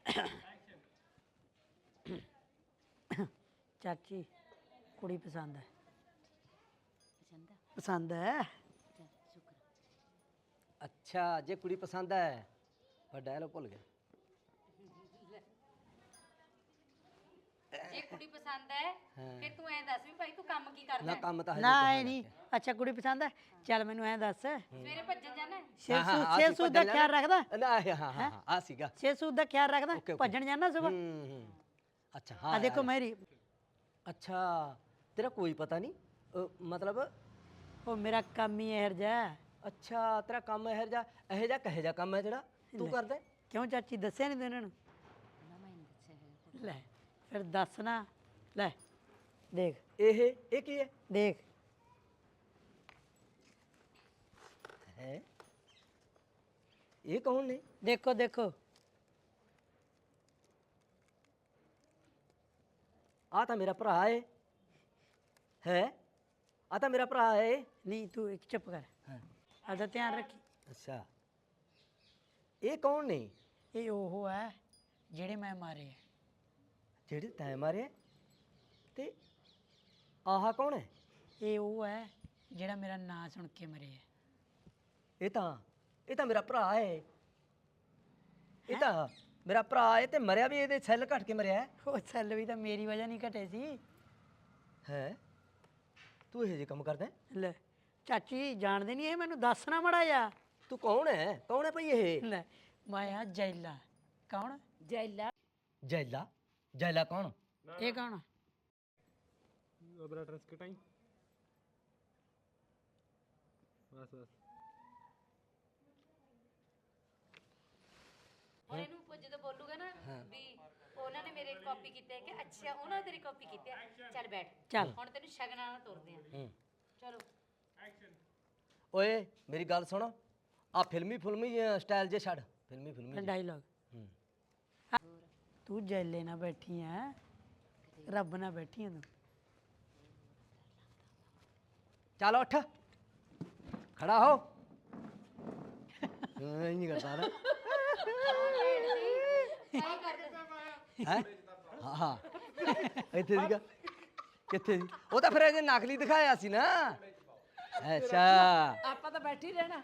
Speaker 1: ਚਾਚੀ ਕੁੜੀ ਪਸੰਦ ਹੈ
Speaker 5: ਪਸੰਦ ਆ
Speaker 1: ਪਸੰਦ ਹੈ
Speaker 5: ਚੱਲ ਸ਼ੁਕਰ
Speaker 4: ਅੱਛਾ ਜੇ ਕੁੜੀ ਪਸੰਦ ਹੈ ਪਰ ਡਾਇਲੋਗ ਭੁੱਲ ਗਿਆ
Speaker 6: ਜੇ ਕੁੜੀ ਪਸੰਦ ਹੈ ਫਿਰ ਤੂੰ ਐਂ ਦੱਸ ਵੀ ਭਾਈ ਤੂੰ ਕੰਮ ਕੀ ਕਰਦਾ
Speaker 4: ਨਾ
Speaker 6: ਹੈ?
Speaker 4: ਕੰਮ ਤਾਂ ਹਜੇ
Speaker 1: ਨਾ
Speaker 4: ਕੁਛ
Speaker 1: ਐ ਨਹੀਂ ਅੱਛਾ ਕੁੜੀ ਪਸੰਦ ਹੈ ਚੱਲ ਮੈਨੂੰ ਐਂ ਦੱਸ
Speaker 6: ਸਵੇਰੇ ਭੱਜਣ ਜਾਣਾ ਹੈ?
Speaker 1: ਛੇ
Speaker 4: ਹਾਂ, ਹਾਂ,
Speaker 1: ਸੂਤ
Speaker 4: ਆਹ
Speaker 1: ਛੇ
Speaker 4: ਸੀ
Speaker 1: ਸੂਤ ਦਾ
Speaker 4: ਭੱਜਣ
Speaker 1: ਖਿਆਲ ਰੱਖਦਾ
Speaker 4: ਨਾ ਹਾਂ ਹਾਂ ਹਾਂ ਆ ਸੀਗਾ
Speaker 1: ਛੇ ਸੂਤ ਦਾ ਖਿਆਲ ਰੱਖਦਾ
Speaker 4: ਓਕੇ, ਓਕੇ।
Speaker 1: ਭੱਜਣ ਜਾਣਾ ਸੁਬਾ
Speaker 4: ਹੂੰ ਹੂੰ ਅੱਛਾ ਹਾਂ
Speaker 1: ਆ ਦੇਖੋ
Speaker 4: ਯਾਰ।
Speaker 1: ਮੇਰੀ
Speaker 4: ਅੱਛਾ ਤੇਰਾ ਕੋਈ ਪਤਾ ਨਹੀਂ ਅ, ਮਤਲਬ
Speaker 1: ਉਹ ਮੇਰਾ ਕੰਮ ਹੀ ਇਹੋ ਜਿਹਾ ਹੈ।
Speaker 4: ਅੱਛਾ ਤੇਰਾ ਕੰਮ ਇਹੋ ਜਿਹਾ ਇਹੋ ਜਿਹਾ ਕਹੇ ਜਿਹਾ ਕੰਮ ਹੈ ਜਿਹੜਾ ਤੂੰ ਕਰਦਾ ਹੈ?
Speaker 1: ਕਿਉਂ ਚਾਚੀ ਦੱਸਿਆ ਨਹੀਂ ਤੂੰ ਇਹਨਾਂ ਨੂੰ
Speaker 5: ਨਾ ਮੈਂ ਨਹੀਂ ਦੱਸਿਆ ਹੈਗਾ।
Speaker 1: ਲੈ ਫਿਰ ਦੱਸ ਨਾ ਲੈ ਦੇਖ
Speaker 4: ਇਹ ਇਹ ਕੀ ਹੈ
Speaker 1: ਦੇਖ
Speaker 4: ਹੈ ਇਹ ਕੌਣ ਨੇ
Speaker 1: ਦੇਖੋ ਦੇਖੋ
Speaker 4: ਆ ਤਾਂ ਮੇਰਾ ਭਰਾ ਏ ਹੈ ਆ ਤਾਂ ਮੇਰਾ ਭਰਾ ਏ
Speaker 1: ਨਹੀਂ ਤੂੰ ਇੱਕ ਚੁੱਪ ਕਰ ਆਦਾ ਧਿਆਨ ਰੱਖੀ।
Speaker 4: ਅੱਛਾ ਇਹ ਕੌਣ ਨੇ
Speaker 1: ਇਹ ਉਹ ਹੈ ਜਿਹੜੇ ਮੈਂ ਮਾਰੇ ਆ।
Speaker 4: ਜਿਹੜੇ ਤੈਂ ਮਾਰੇ ਤੇ ਆਹ ਕੌਣ ਹੈ
Speaker 1: ਇਹ ਉਹ ਹੈ ਜਿਹੜਾ ਮੇਰਾ ਨਾਂ ਸੁਣ ਕੇ ਮਰੇ ਆ।
Speaker 4: ਇਹ ਤਾਂ ਇਹ ਤਾਂ ਮੇਰਾ ਭਰਾ ਏ ਇਹ ਤਾਂ ਮੇਰਾ ਭਰਾ ਏ ਤੇ ਮਰਿਆ ਵੀ ਇਹਦੇ ਸੈੱਲ ਘਟ ਕੇ ਮਰਿਆ ਹੈ
Speaker 1: ਉਹ ਸੈੱਲ ਵੀ ਤਾਂ ਮੇਰੀ ਵਜ੍ਹਾ ਨਹੀਂ ਘਟੇ ਸੀ।
Speaker 4: ਹੈਂ? ਤੂੰ ਇਹ ਜੇ ਕੰਮ ਕਰਦਾ ਹੈ?
Speaker 1: ਲੈ ਚਾਚੀ ਜਾਣਦੇ ਨਹੀਂ ਇਹ ਮੈਨੂੰ ਦੱਸਣਾ ਮੜਾ ਜਾ।
Speaker 4: ਤੂੰ ਕੌਣ ਹੈ ਕੌਣ ਹੈ ਭਈ ਇਹ
Speaker 1: ਲੈ ਮੈਂ ਆ ਜੈਲਾ। ਕੌਣ?
Speaker 5: ਜੈਲਾ
Speaker 4: ਜੈਲਾ ਜੈਲਾ ਕੌਣ
Speaker 1: ਇਹ ਕੌਣ?
Speaker 2: ਅਬਰਾ ਟਰਸ ਕਟਾਈ ਬਸ ਬਸ
Speaker 6: ਹੁਣ ਇਹਨੂੰ ਪੁੱਛ- ਜਦੋਂ ਬੋਲੂਗਾ ਨਾ ਵੀ ਉਹਨਾਂ ਨੇ ਮੇਰੇ ਕਾਪੀ ਕੀਤੇ ਕਿ ਅੱਛਾ ਉਹਨਾਂ ਨੇ ਤੇਰੀ ਕਾਪੀ ਕੀਤੀ ਹੈ, ਚੱਲ ਬੈਠ
Speaker 1: ਚੱਲ।
Speaker 6: ਹੁਣ ਤੈਨੂੰ ਸ਼ਗਨਾਂ ਨਾਲ ਤੋਰਦੇ ਆ
Speaker 4: ਹੂੰ
Speaker 6: ਚਲੋ।
Speaker 4: ਓਏ ਮੇਰੀ ਗੱਲ ਸੁਣ ਆ ਫਿਲਮੀ ਫਿਲਮੀ ਸਟਾਈਲ ਜੇ ਛੱਡ ਫਿਲਮੀ ਫਿਲਮੀ
Speaker 1: ਡਾਇਲੌਗ।
Speaker 4: ਹੂੰ
Speaker 1: ਤੂੰ ਜੈਲੇ ਨਾਲ ਬੈਠੀ ਆ ਰੱਬ ਨਾਲ ਬੈਠੀ ਆ ਤੂੰ।
Speaker 4: ਚੱਲ ਉੱਠ ਖੜਾ ਹੋ ਐਂ ਨਹੀਂ ਕਰਦਾ ਨਾ ਹੈ ਹਾਂ ਹਾਂ ਇੱਥੇ ਸੀਗਾ ਕਿੱਥੇ ਸੀ ਉਹ ਤਾਂ ਫਿਰ ਇਹਨੇ ਨਕਲੀ ਦਿਖਾਇਆ ਸੀ ਨਾ ਅੱਛਾ
Speaker 5: ਆਪਾਂ ਤਾਂ ਬੈਠੀ ਰਹਿਣਾ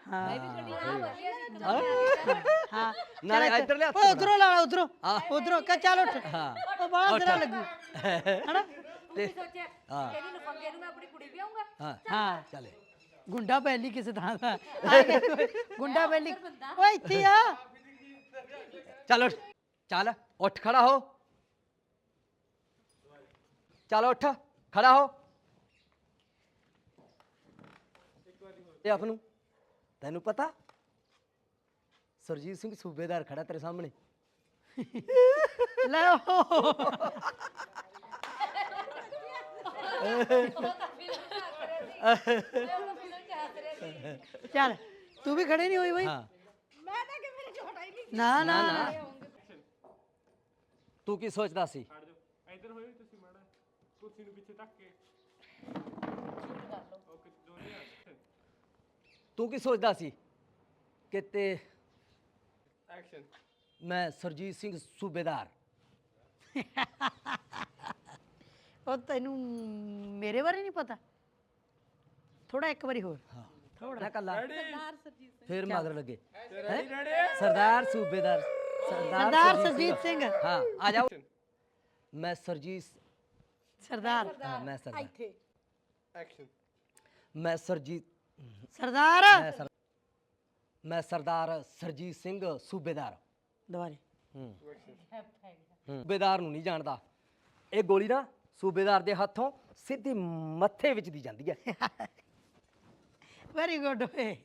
Speaker 1: ਹਾਂ
Speaker 4: ਨਾ ਇੱਧਰ ਲਿਆ
Speaker 1: ਓਏ ਉਧਰੋਂ ਲਾ ਉਧਰੋਂ
Speaker 4: ਹਾਂ।
Speaker 1: ਉਧਰੋਂ ਕਹ ਚੱਲ ਉੱਠ।
Speaker 4: ਹਾਂ
Speaker 1: ਉਹ ਬਾਹਰ ਤੇਰਾ ਲੱਗੂ ਹਨਾ।
Speaker 6: ਤੂੰ ਵੀ ਸੋਚਿਆ ਇਹਦੀ ਲਫੰਗੇ ਨੂੰ ਮੈਂ ਆਪਣੀ ਕੁੜੀ ਵਿਆਹੂੰਗਾ।
Speaker 4: ਹਾਂ
Speaker 1: ਹਾਂ
Speaker 4: ਚੱਲੇ
Speaker 1: ਗੁੰਡਾ ਪਹਿਲੀ ਕਿਸੇ ਥਾਂ ਦਾ ਆ ਗਿਆ ਕੋਈ ਗੁੰਡਾ ਪਹਿਲੀ ਓਏ ਇੱਥੇ ਆ।
Speaker 4: ਚੱਲ ਉੱਠ ਚੱਲ ਉੱਠ ਖੜਾ ਹੋ ਚੱਲ ਉੱਠ ਖੜਾ ਹੋ ਇਹ ਆਪ ਨੂੰ ਤੈਨੂੰ ਪਤਾ ਸਰਜੀਤ ਸਿੰਘ ਸੂਬੇਦਾਰ ਖੜਾ ਤੇਰੇ ਸਾਹਮਣੇ
Speaker 1: ਲੈ ਉਹ ਚੱਲ ਤੂੰ ਵੀ ਖੜੇ ਨਹੀਂ ਹੋਈ ਬਈ।
Speaker 4: ਹਾਂ
Speaker 6: ਮੈਂ ਤਾਂ ਕਿ ਮੇਰੇ ਚ ਹਟਾਈ ਨਹੀਂ
Speaker 1: ਨਾ ਨਾ ਨਾ
Speaker 4: ਤੂੰ ਕੀ ਸੋਚਦਾ ਸੀ
Speaker 3: ਛੱਡ ਦਿਓ ਇੱਧਰ ਹੋਇਓ ਤੁਸੀਂ ਮਾੜਾ ਕੁਰਸੀ ਨੂੰ ਪਿੱਛੇ ਧੱਕ ਕੇ ਓਕੇ ਦੋਨੇ ਆ
Speaker 4: ਤੂੰ ਕੀ ਸੋਚਦਾ ਸੀ ਕਿ ਤੇ
Speaker 3: ਐਕਸ਼ਨ
Speaker 4: ਮੈਂ ਸਰਜੀਤ ਸਿੰਘ ਸੂਬੇਦਾਰ
Speaker 1: ਉਹ ਤੈਨੂੰ ਮੇਰੇ ਬਾਰੇ ਨਹੀਂ ਪਤਾ ਥੋੜਾ ਇੱਕ ਵਾਰੀ ਹੋਰ
Speaker 4: ਹਾਂ ਥੋੜਾ ਕੱਲਾ ਫਿਰ ਮਗਰ ਲੱਗੇ
Speaker 3: ਰੈਡੀ ਰੈਡੀ
Speaker 4: ਸਰਦਾਰ ਸੂਬੇਦਾਰ
Speaker 1: ਸਰਦਾਰ ਸਰਜੀਤ ਸਿੰਘ
Speaker 4: ਹਾਂ ਆ ਜਾਓ ਮੈਂ ਸਰਜੀਤ
Speaker 1: ਸਰਦਾਰ
Speaker 4: ਹਾਂ ਮੈਂ ਸਰਦਾਰ
Speaker 3: ਐਕਸ਼ਨ
Speaker 4: ਮੈਂ ਸਰਜੀਤ
Speaker 1: ਸਰਦਾਰ
Speaker 4: ਮੈਂ ਸਰ- ਮੈਂ ਸਰਦਾਰ ਸਰਜੀਤ ਸਿੰਘ ਸੂਬੇਦਾਰ
Speaker 1: ਦੁਬਾਰੇ
Speaker 4: ਹੂੰ ਹੂੰ। ਸੂਬੇਦਾਰ ਨੂੰ ਨਹੀਂ ਜਾਣਦਾ ਇਹ ਗੋਲੀ ਨਾ ਸੂਬੇਦਾਰ ਦੇ ਹੱਥੋਂ ਸਿੱਧੀ ਮੱਥੇ ਵਿੱਚ ਦੀ ਜਾਂਦੀ ਹੈ
Speaker 1: ਵੈਰੀ ਗੁੱਡ ਓਏ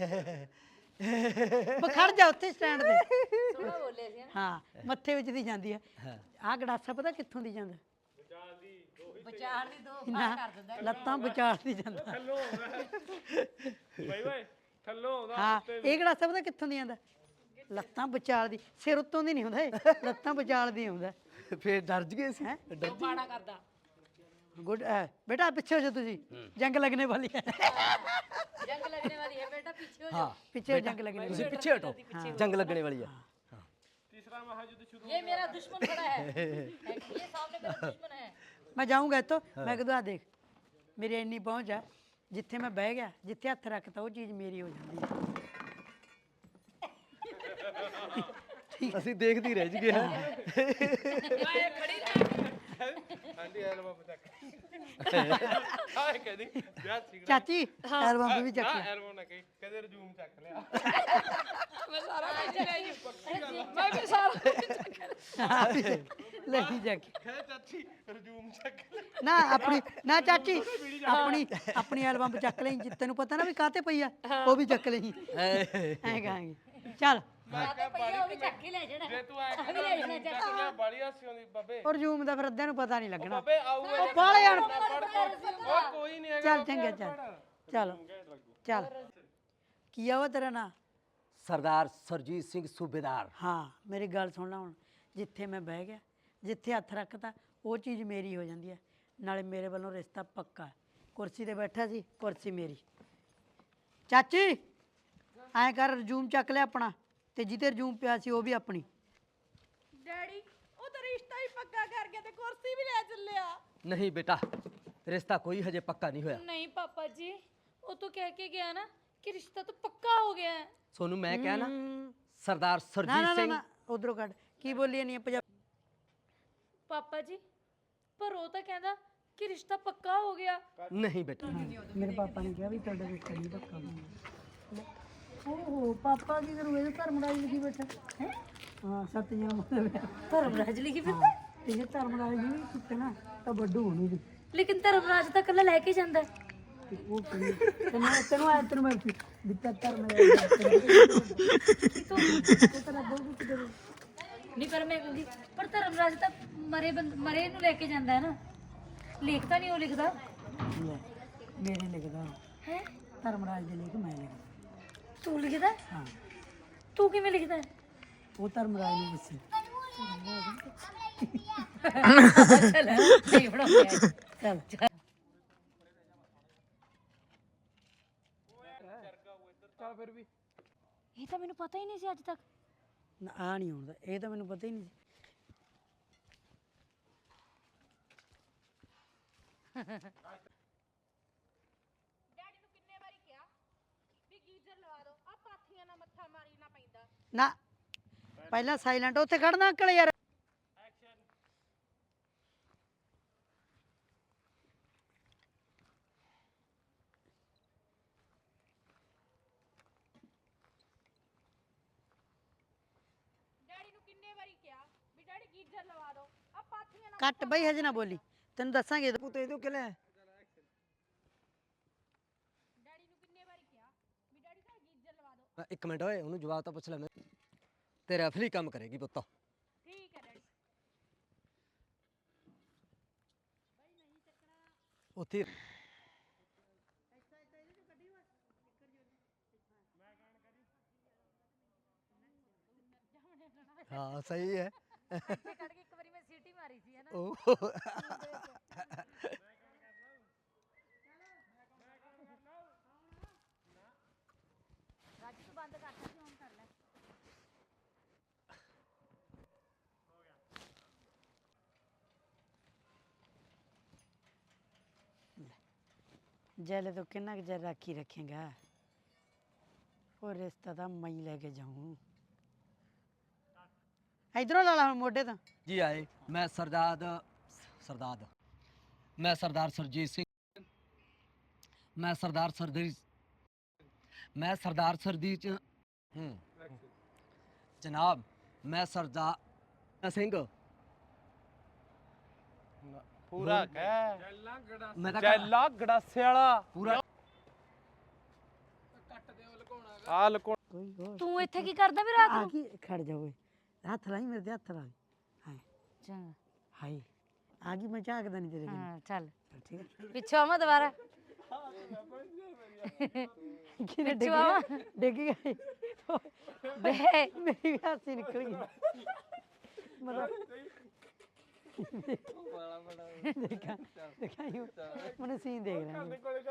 Speaker 1: ਬਖੜ ਜਾ ਉੱਥੇ ਸਟੈਂਡ ਤੇ
Speaker 6: ਸੋਹਣਾ ਬੋਲੇ ਸੀ
Speaker 1: ਹਾਂ ਮੱਥੇ ਵਿੱਚ ਦੀ ਜਾਂਦੀ ਹੈ
Speaker 4: ਹਾਂ।
Speaker 1: ਆਹ ਗੜਾਸਾ ਪਤਾ ਕਿੱਥੋਂ ਦੀ ਜਾਂਦਾ
Speaker 6: ਵਿਚਾਰ ਦੀ ਦੋ
Speaker 1: ਨਾ ਲੱਤਾਂ ਵਿਚਾਰ ਦੀ ਜਾਂਦਾ
Speaker 3: ਥੱਲੋਂ ਬਾਈ ਬਾਈ ਥੱਲੋਂ ਆਉਂਦਾ
Speaker 1: ਹਾਂ ਇਹ ਗੜਾਸਾ ਪਤਾ ਕਿੱਥੋਂ ਦੀ ਜਾਂਦਾ ਲੱਤਾਂ ਵਿਚਾਰ ਦੀ ਸਿਰ ਉੱਤੋਂ ਦੀ ਨਹੀਂ ਹੁੰਦਾ ਇਹ ਲੱਤਾਂ ਵਿਚਾਰ ਦੀ ਹੁੰਦਾ
Speaker 4: ਫੇਰ ਡਰ ਗਏ ਸੀ
Speaker 1: ਹੈਂ?
Speaker 5: ਬਾਣਾ ਕਰਦਾ
Speaker 1: ਗੁੱਡ ਬੇਟਾ ਪਿੱਛੇ ਹੋ ਜਾ ਤੁਸੀਂ ਜੰਗ ਲੱਗਣੇ ਵਾਲੀ ਹੈ
Speaker 6: ਜੰਗ ਲੱਗਣੇ ਵਾਲੀ ਹੈ ਬੇਟਾ ਪਿੱਛੇ ਹੋ ਜਾ
Speaker 4: ਹਾਂ
Speaker 1: ਪਿੱਛੇ ਜੰਗ ਲੱਗਣੇ
Speaker 4: ਤੁਸੀਂ ਪਿੱਛੇ ਹਟੋ ਜੰਗ ਲੱਗਣੇ ਵਾਲੀ ਹੈ
Speaker 3: ਤੀਸਰਾ ਮਹਾਯੁੱਧ ਸ਼ੁਰੂ
Speaker 6: ये मेरा दुश्मन खड़ा है ये सामने मेरा दुश्मन है
Speaker 1: ਮੈਂ ਜਾਊਂਗਾ ਇੱਥੋਂ ਮੈਂ ਕਹਦੂ ਆ ਦੇਖ ਮੇਰੀ ਇੰਨੀ ਪਹੁੰਚ ਆ ਜਿੱਥੇ ਮੈਂ ਬਹਿ ਗਿਆ ਜਿੱਥੇ ਹੱਥ ਰੱਖਤਾ ਉਹ ਚੀਜ਼ ਮੇਰੀ ਹੋ ਜਾਂਦੀ ਹੈ
Speaker 4: ਅਸੀਂ ਦੇਖਦੀ ਰਹਿ ਜਗੇ ਹਾਂ
Speaker 3: ਆਂਟੀ ਐਲਬਮ ਚੱਕ ਆਏ ਕਹਦੀ ਵਿਆਹ ਸਿਗਰਟ
Speaker 1: ਚਾਚੀ ਐਲਬਮ ਵੀ ਚੱਕ
Speaker 3: ਨਾ
Speaker 1: ਲਿਆ
Speaker 3: ਐਲਬਮ ਨਾ ਕਹੀ ਕਦੇ ਰਜੂਮ ਚੱਕ ਲਿਆ
Speaker 5: ਮੈਂ ਸਾਰਾ ਕੁਝ ਲੈ ਜੀ ਮੈਂ ਵੀ ਸਾਰਾ
Speaker 1: ਲੈ ਹੀ ਜਾ ਕੇ
Speaker 3: ਕਹੇ ਚਾਚੀ ਰਜੂਮ ਚੱਕ ਲਿਆ
Speaker 1: ਨਾ ਆਪਣੀ ਨਾ ਚਾਚੀ ਆਪਣੀ ਆਪਣੀ ਐਲਬਮ ਚੱਕ ਲਈ ਜੇ ਤੈਨੂੰ ਪਤਾ ਨਾ ਵੀ ਕਾਤੇ ਪਈ ਆ ਉਹ ਵੀ ਚੱਕ ਲਈ ਐਂ ਕਹਾਂਗੇ ਚੱਲ
Speaker 6: आते भैया वो भी चक के ले जाना
Speaker 3: ਜੇ ਤੂੰ ਆਏ ਕਹਿੰਦਾ ਰਜੂਮ ਚੱਕ ਲਿਆ ਬਾਲੀ ਹਾਸੀ ਆਉਂਦੀ ਬਾਬੇ
Speaker 1: ਔਰ ਜੂਮ ਦਾ ਫਿਰ ਅੱਧਿਆਂ ਨੂੰ ਪਤਾ ਨਹੀਂ ਲੱਗਣਾ
Speaker 3: ਬਾਬੇ ਆਊਗਾ
Speaker 1: ਉਹ ਬਾਲੇ ਯਾਰ
Speaker 3: ਉਹ ਕੋਈ ਨਹੀਂ ਹੈਗਾ
Speaker 1: ਚੱਲ ਚੰਗਾ ਚੱਲ ਚੱਲ ਚੱਲ ਕੀ ਆ ਉਹ ਤੇਰਾ ਨਾਂ
Speaker 4: ਸਰਦਾਰ ਸਰਜੀਤ ਸਿੰਘ ਸੂਬੇਦਾਰ
Speaker 1: ਹਾਂ ਮੇਰੀ ਗੱਲ ਸੁਣ ਲੈ ਹੁਣ ਜਿੱਥੇ ਮੈਂ ਬਹਿ ਗਿਆ ਜਿੱਥੇ ਹੱਥ ਰੱਖਤਾ ਉਹ ਚੀਜ਼ ਮੇਰੀ ਹੋ ਜਾਂਦੀ ਹੈ। ਨਾਲੇ ਮੇਰੇ ਵੱਲੋਂ ਰਿਸ਼ਤਾ ਪੱਕਾ ਹੈ। ਕੁਰਸੀ ਤੇ ਬੈਠਾ ਸੀ, ਕੁਰਸੀ ਮੇਰੀ। ਚਾਚੀ ਐਂ ਕਰ, ਰਜੂਮ ਚੱਕ ਲਿਆ ਆਪਣਾ, ਤੇ ਜਿੱਤੇ ਰਜੂਮ ਪਿਆ ਸੀ ਉਹ ਵੀ ਆਪਣੀ।
Speaker 7: ਡੈਡੀ ਉਹ ਤਾਂ ਰਿਸ਼ਤਾ ਹੀ ਪੱਕਾ ਕਰ ਗਿਆ ਤੇ ਕੁਰਸੀ ਵੀ ਲੈ ਚੱਲਿਆ।
Speaker 4: ਨਹੀਂ ਬੇਟਾ, ਰਿਸ਼ਤਾ ਕੋਈ ਹਜੇ ਪੱਕਾ ਨਹੀਂ ਹੋਇਆ।
Speaker 7: ਨਹੀਂ ਪਾਪਾ ਜੀ, ਉਹ ਤਾਂ ਕਹਿ ਕੇ ਗਿਆ ਨਾ ਕਿ ਰਿਸ਼ਤਾ ਤਾਂ ਪੱਕਾ ਹੋ ਗਿਆ ਹੈ।
Speaker 4: ਸੋਨੂੰ ਮੈਂ ਕਿਹਾ ਨਾ, ਸਰਦਾਰ
Speaker 1: ਨਾ
Speaker 4: ਸਰਜੀਤ
Speaker 1: ਨਾ
Speaker 4: ਸਿੰਘ।
Speaker 1: ਨਾ ਉਧਰੋਂ ਕੱਢ, ਕੀ ਬੋਲੀ ਨਹੀਂ ਪੰਜਾਬ।
Speaker 7: ਪਾਪਾ ਜੀ ਪਰ ਉਹ ਤਾਂ ਕਹਿੰਦਾ ਕਿ ਰਿਸ਼ਤਾ ਪੱਕਾ ਹੋ ਗਿਆ।
Speaker 4: ਨਹੀਂ ਬੇਟਾ,
Speaker 1: ਮੇਰੇ ਪਾਪਾ ਨੇ ਕਿਹਾ ਵੀ ਤੁਹਾਡਾ ਰਿਸ਼ਤਾ ਨਹੀਂ ਪੱਕਾ ਹੋਣਾ। ਓਹੋ ਪਾਪਾ ਕੀ ਕਰੂ, ਇਹ ਧਰਮਰਾਜ ਲਿਖੀ ਬੈਠਾ ਹੈ। ਹਾਂ ਸੱਤ ਜਨਮ ਮਤਲਬ
Speaker 7: ਧਰਮਰਾਜ ਲਿਖੀ ਫਿਰਦਾ,
Speaker 1: ਤੇ ਜੇ ਧਰਮਰਾਜ ਜੀ ਵੀ ਚੁੱਕਣਾ ਤਾਂ ਵੱਡੂ ਹੋਣੀ ਸੀ।
Speaker 7: ਲੇਕਿਨ ਧਰਮਰਾਜ ਤਾਂ ਕੱਲਾ ਲੈ ਕੇ ਜਾਂਦਾ ਹੈ।
Speaker 1: ਤੇ ਉਹ ਕੁੜੀ ਤੈਨੂੰ ਤੈਨੂੰ ਆਇਆ ਤੈਨੂੰ ਮੈਂ ਦਿੱਤਾ ਧਰਮਰਾਜ
Speaker 7: ਨਹੀਂ ਪਰ ਮੈਂ ਕਹਿੰਦੀ ਪਰ ਧਰਮਰਾਜ ਤਾਂ ਮਰੇ ਬੰਦ ਮਰੇ ਨੂੰ ਲੈ ਕੇ ਜਾਂਦਾ ਹੈ ਨਾ, ਲਿਖਤਾ ਨਹੀਂ ਉਹ ਲਿਖਦਾ
Speaker 1: ਲੈ ਮੇਰੇ ਲਿਖਦਾ
Speaker 7: ਹੈ।
Speaker 1: ਧਰਮਰਾਜ ਦੇ ਲਿਖ ਮੈਂ ਲਿਖਦਾ।
Speaker 7: ਤੂੰ ਲਿਖਦਾ ਹੈ?
Speaker 1: ਹਾਂ
Speaker 7: ਤੂੰ ਕਿਵੇਂ ਲਿਖਦਾ ਹੈ?
Speaker 1: ਉਹ ਧਰਮਰਾਜ ਨੂੰ ਦੱਸੀ।
Speaker 7: ਚੱਲ ਨਹੀਂ ਬਣਾਉਂਦੇ
Speaker 1: ਚੱਲ
Speaker 3: ਚੱਲ ਫਿਰ ਵੀ
Speaker 7: ਇਹ ਤਾਂ ਮੈਨੂੰ ਪਤਾ ਹੀ ਨਹੀਂ ਸੀ ਅੱਜ ਤੱਕ।
Speaker 1: ਨਾ ਆ ਨਹੀਂ ਹੁੰਦਾ, ਇਹ ਤਾਂ ਮੈਨੂੰ ਪਤਾ ਹੀ ਨਹੀਂ ਸੀ।
Speaker 7: ਡੈਡੀ ਨੂੰ ਕਿੰਨੇ ਵਾਰੀ ਕਿਹਾ ਵੀ ਗੀਜ਼ਰ ਲਵਾ ਦਿਓ, ਆ ਪਾਥੀਆਂ ਨਾਲ ਮੱਥਾ ਮਾਰੀ ਨਾ ਪੈਂਦਾ।
Speaker 1: ਨਾ ਪਹਿਲਾਂ ਸਾਇਲੈਂਟ ਉੱਥੇ ਖੜਨਾ ਅੰਕਲ ਯਾਰ।
Speaker 7: ਡੈਡੀ ਨੂੰ ਕਿੰਨੇ ਵਾਰੀ ਕਿਹਾ ਵੀ ਡੈਡੀ ਗੀਜ਼ਰ ਲਵਾ ਦਿਓ, ਆ ਪਾਥੀਆਂ ਨਾਲ
Speaker 1: ਕੱਟ ਬਈ, ਹਜੇ ਨਾ ਬੋਲੀ, ਤੈਨੂੰ ਦੱਸਾਂਗੇ।
Speaker 4: ਪੁੱਤ ਇਹ ਤੋਂ ਕਿ ਲੈ
Speaker 7: ਡੈਡੀ ਨੂੰ ਕਿੰਨੇ ਵਾਰੀ ਕਿਹਾ ਵੀ ਡੈਡੀ ਦਾ ਗੀਜ਼ਰ ਲਵਾ ਦਿਓ।
Speaker 4: ਮੈਂ ਇੱਕ ਮਿੰਟ ਓਏ, ਉਹਨੂੰ ਜਵਾਬ ਤਾਂ ਪੁੱਛ ਲੈ। ਮੈਂ ਤੇਰਾ ਅਫਲੀ ਕੰਮ ਕਰੇਗੀ ਪੁੱਤ।
Speaker 7: ਠੀਕ ਹੈ ਡੈਡੀ।
Speaker 4: ਉੱਥੇ ਹੀ- ਹਾਂ ਸਹੀ ਹੈ।
Speaker 7: ਇੱਥੇ ਕੱਢ ਕੇ ਇੱਕ ਵਾਰੀ ਮੈਂ ਸੀਟੀ ਮਾਰੀ ਸੀ ਹੈ ਨਾ।
Speaker 4: ਉਹ
Speaker 7: ਰਾਜ ਤੂੰ ਬੰਦ ਕਰਤਾ ਸੀ, ਹੁਣ ਕਰ ਲੈ।
Speaker 1: ਜੈਲੇ ਤੋਂ ਕਿੰਨਾ ਕੁ ਚਿਰ ਰਾਖੀ ਰੱਖੇਗਾ। ਉਹ ਰਿਸ਼ਤਾ ਤਾਂ ਮੈਂ ਹੀ ਲੈ ਕੇ ਜਾਊਂ। ਇਧਰੋਂ ਲਾ ਲਾ ਹੁਣ ਮੋਢੇ ਤੋਂ।
Speaker 4: ਜੀ ਆਏ। ਮੈਂ ਸਰਦਾਰ ਸਰਦਾਰ ਮੈਂ ਸਰਦਾਰ ਸਰਜੀਤ ਸਿੰਘ। ਮੈਂ ਸਰਦਾਰ ਸਰਦੀ ਮੈਂ ਸਰਦਾਰ ਸਰਦੀ ਚ ਹੂੰ ਜਨਾਬ, ਮੈਂ ਸਰਦਾਰ ਸਿੰਘ।
Speaker 3: ਪੂਰਾ ਕਹਿ
Speaker 4: ਮੈਂ ਤਾਂ
Speaker 3: ਚੈਲਾ ਗੜਾਸੇ ਵਾਲਾ
Speaker 4: ਪੂਰਾ
Speaker 3: ਆ ਲਕੋ।
Speaker 1: ਕੋਈ ਹੋਰ
Speaker 7: ਤੂੰ ਇੱਥੇ ਕੀ ਕਰਦਾ ਵੀ ਰਾਤ
Speaker 1: ਆ
Speaker 7: ਨੂੰ?
Speaker 1: ਕੀ ਖੜ ਜਾ ਓਏ, ਹੱਥ ਲਾਈ ਮੇਰੇ ਤੇ, ਹੱਥ ਲਾ। ਹਾਏ
Speaker 7: ਚੰਗਾ
Speaker 1: ਹਾਏ ਆ ਗਈ, ਮੈਂ ਝਾਕਦਾ ਨਹੀਂ ਤੇਰੇ ਕੋਲ।
Speaker 7: ਹਾਂ ਚੱਲ
Speaker 1: ਠੀਕ ਹੈ।
Speaker 7: ਪਿੱਛੋਂ ਆਵਾਂ ਦੁਬਾਰਾ।
Speaker 1: ਕਿਨੇ ਡਿੱਗ
Speaker 7: ਪਿੱਛੋਂ ਆਵਾਂ?
Speaker 1: ਡਿੱਗ ਗਈ
Speaker 7: ਬੇ
Speaker 1: ਮੇਰੀ ਵੀ ਹਾਸੀ ਨਿਕਲ ਗਈ। ਮਤਲਬ ਦੇਖਾਂ ਦੇਖਾਂ ਯੂ ਮੈਨੂੰ ਸੀਨ ਦੇਖ ਰਿਹਾ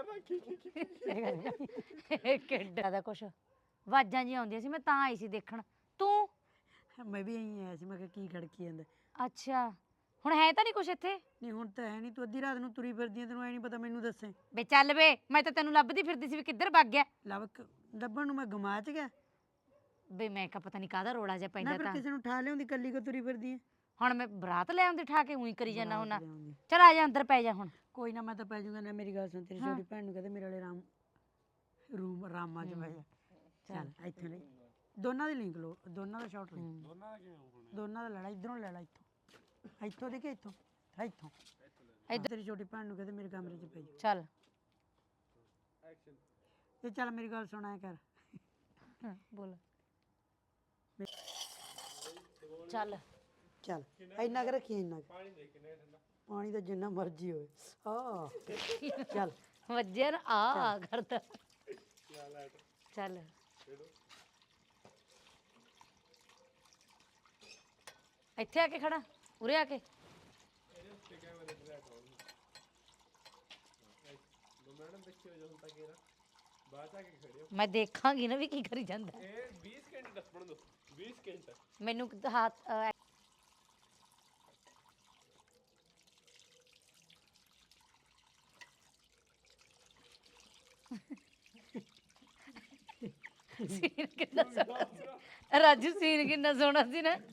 Speaker 7: ਕਿੱਡਾ ਦਾ ਕੁਛ ਆਵਾਜ਼ਾਂ ਜੀ ਆਉਂਦੀਆਂ ਸੀ, ਮੈਂ ਤਾਂ ਆਈ ਸੀ ਦੇਖਣ। ਤੂੰ
Speaker 1: ਮੈਂ ਵੀ ਇਹੀ ਆਇਆ ਸੀ, ਮੈਂ ਕਿਹਾ ਕੀ ਖੜਕੀ ਜਾਂਦਾ।
Speaker 7: ਅੱਛਾ ਹੁਣ ਹੈ ਤਾਂ ਨਹੀਂ ਕੁਛ ਇੱਥੇ?
Speaker 1: ਨਹੀਂ ਹੁਣ ਤਾਂ ਹੈ ਨਹੀਂ, ਤੂੰ ਅੱਧੀ ਰਾਤ ਨੂੰ ਤੁਰੀ ਫਿਰਦੀ ਆਂ, ਤੈਨੂੰ ਐ ਨਹੀਂ ਪਤਾ, ਮੈਨੂੰ ਦੱਸੇ।
Speaker 7: ਬੇ ਚੱਲ ਵੇ, ਮੈਂ ਤਾਂ ਤੈਨੂੰ ਲੱਭਦੀ ਫਿਰਦੀ ਸੀ ਵੀ ਕਿੱਧਰ ਭੱਗ ਗਿਆ।
Speaker 1: ਲੱਭ ਕੇ- ਲੱਭਣ ਨੂੰ ਮੈਂ ਗਮਾਚ ਗਿਆ।
Speaker 7: ਬੇ ਮੈਂ ਕਿਹਾ ਪਤਾ ਨਹੀਂ ਕਾਹਦਾ ਰੋਲਾ ਜਿਹਾ
Speaker 1: ਨਾ
Speaker 7: ਪੈਂਦਾ
Speaker 1: ਫਿਰ
Speaker 7: ਤਾਂ।
Speaker 1: ਕਿਸੇ ਨੂੰ ਠਾ ਲਿਆਉਂਦੀ, ਕੱਲੀ ਕੋ ਤੁਰੀ ਫਿਰਦੀ ਹੈ।
Speaker 7: ਹੁਣ ਮੈਂ ਬਰਾਤ ਲੈ ਆਉਂਦੀ ਠਾ ਕੇ ਉਹੀ ਕਰੀ ਜਾਣਾ ਹੁਣਾ।
Speaker 1: ਲਿਆਉਂਦੀ।
Speaker 7: ਚਲ ਆ ਜਾ ਅੰਦਰ ਪੈ ਜਾ ਹੁਣ।
Speaker 1: ਕੋਈ ਨਾ, ਮੈਂ ਤਾਂ ਪੈ ਜਾਊਂਗਾ ਨਾ। ਮੇਰੀ ਗੱਲ ਸੁਣ, ਤੇਰੀ
Speaker 7: ਹਾਂ।
Speaker 1: ਛੋਟੀ ਭੈਣ ਨੂੰ ਕਹਿੰਦੇ ਮੇਰੇ ਵਾਲੇ ਰਾਮ ਰੂਮ ਰਾਮਾ ਚ ਬਹਿ ਜਾ। ਚੱਲ ਇੱਥੇ ਲਈ ਦੋਨਾਂ ਦੀ ਲਿੰਕ ਲੋ, ਦੋਨਾਂ ਦਾ ਸ਼ਾਟ ਲਈ। ਦੋਨਾਂ ਦਾ ਲੈਣਾ, ਇਧਰੋਂ ਲੈ ਲੈ, ਇੱਥੋਂ ਇੱਥੋਂ ਦੇ ਕੇ ਇੱਥੋਂ ਇੱਥੋਂ ਇੱਧਰ। ਤੇਰੀ ਛੋਟੀ ਭੈਣ ਨੂੰ ਕਹਿੰਦੇ ਮੇਰੇ ਕਮਰੇ ਚ ਪੈ ਜਾ।
Speaker 7: ਚੱਲ
Speaker 1: ਇਹ ਚੱਲ ਮੇਰੀ ਗੱਲ ਸੁਣ, ਐ ਕਰ।
Speaker 7: ਹਾਂ, ਬੋਲ ਚੱਲ।
Speaker 1: ਚੱਲ ਇੰਨਾ ਕੁ ਰੱਖੀ, ਇੰਨਾ ਕੁ। ਪਾਣੀ ਤਾਂ ਜਿੰਨਾ ਮਰਜ਼ੀ ਹੋਵੇ। ਆ ਚੱਲ
Speaker 7: ਵੱਜਿਆ ਨਾ ਆ ਕਰਦਾ। ਚੱਲ ਇੱਥੇ ਆ ਕੇ ਖੜਾ, ਉਰੇ ਆ ਕੇ
Speaker 6: ਮੈਂ ਦੇਖਾਂਗੀ ਨਾ ਵੀ ਕੀ ਕਰੀ ਜਾਂਦਾ
Speaker 3: ਇਹ ਵੀਹ ਸਕਿੰਟ ਦੱਸਣ ਦੋ ਵੀਹ ਸਕਿੰਟ
Speaker 6: ਮੈਨੂੰ ਕਿਤੇ ਹੱਥ ਅਹ, ਸੀਨ ਕਿੰਨਾ ਸੋਹਣਾ ਸੀ। ਰਾਜੂ ਸੀਨ ਕਿੰਨਾ ਸੋਹਣਾ ਸੀ ਨਾ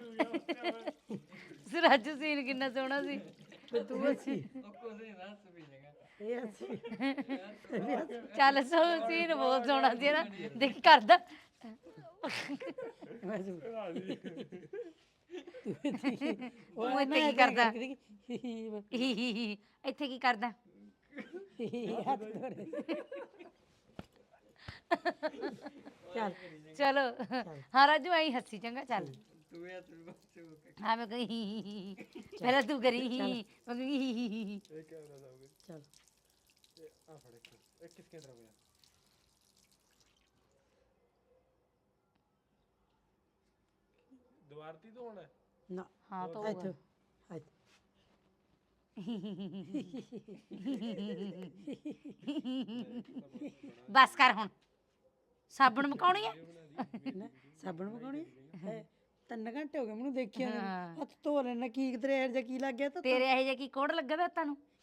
Speaker 6: ਰਾਜੂ ਸੀਨ ਕਿੰਨਾ ਸੋਹਣਾ ਸੀ
Speaker 1: ਤੂੰ ਅੱਛੀ ਇਹ ਅੱਛੀ
Speaker 6: ਚੱਲ ਸੋ ਸੀਨ ਬਹੁਤ ਸੋਹਣਾ ਸੀ ਨਾ ਦੇਖ ਕਰਦਾ
Speaker 1: ਮੈਂ ਤੂੰ
Speaker 6: ਉਹ ਇੱਥੇ ਕੀ ਕਰਦਾ ਹੀ ਹੀ ਹੀ ਇੱਥੇ ਕੀ ਕਰਦਾ
Speaker 1: ਹੱਥ ਧੋਰੇ ਚੱਲ
Speaker 6: ਚਲੋ ਹਾਂ ਰਾਜੂ ਆਈ ਹੱਸੀ ਚੰਗਾ ਚੱਲ ਹਾਂ ਮੈਂ ਕਹੀ ਪਹਿਲਾਂ ਤੂੰ ਕਰੀ ਮੈਂ ਕਹੀ
Speaker 3: ਇਹ ਕੈਮਰਾ ਸਾਹਮਣੇ
Speaker 1: ਚੱਲ
Speaker 3: ਆ ਫੜ ਇੱਕ ਇਹ ਕਿਸ ਕੇਂਦਰ ਹੋ ਗਿਆ ਦੁਬਾਰ ਤੀ ਤੋਂ ਹੋਣਾ ਹੈ?
Speaker 1: ਨਾ
Speaker 6: ਹਾਂ ਤਾਂ
Speaker 1: ਇੱਥੇ ਇੱਥੇ
Speaker 6: ਬਸ ਕਰ ਹੁਣ ਸਾਬਣ ਮਕਾਉਣੀ ਆ
Speaker 1: ਨਾ ਸਾਬਣ ਮਕਾਉਣੀ ਹੈ ਤਿੰਨ ਘੰਟੇ ਹੋ ਗਏ ਮੈਨੂੰ ਦੇਖਿਆ ਨੂੰ।
Speaker 6: ਹਾਂ।
Speaker 1: ਹੱਥ ਧੋ ਲੈਣਾ ਕੀ ਤੇਰੇ ਇਹ ਜਿਹਾ ਕੀ ਲੱਗ ਗਿਆ ਤਾਂ
Speaker 6: ਤੇਰੇ ਇਹੋ ਜਿਹਾ ਕੀ ਕੋੜ ਲੱਗਾ ਵਾ ਤੁਹਾਨੂੰ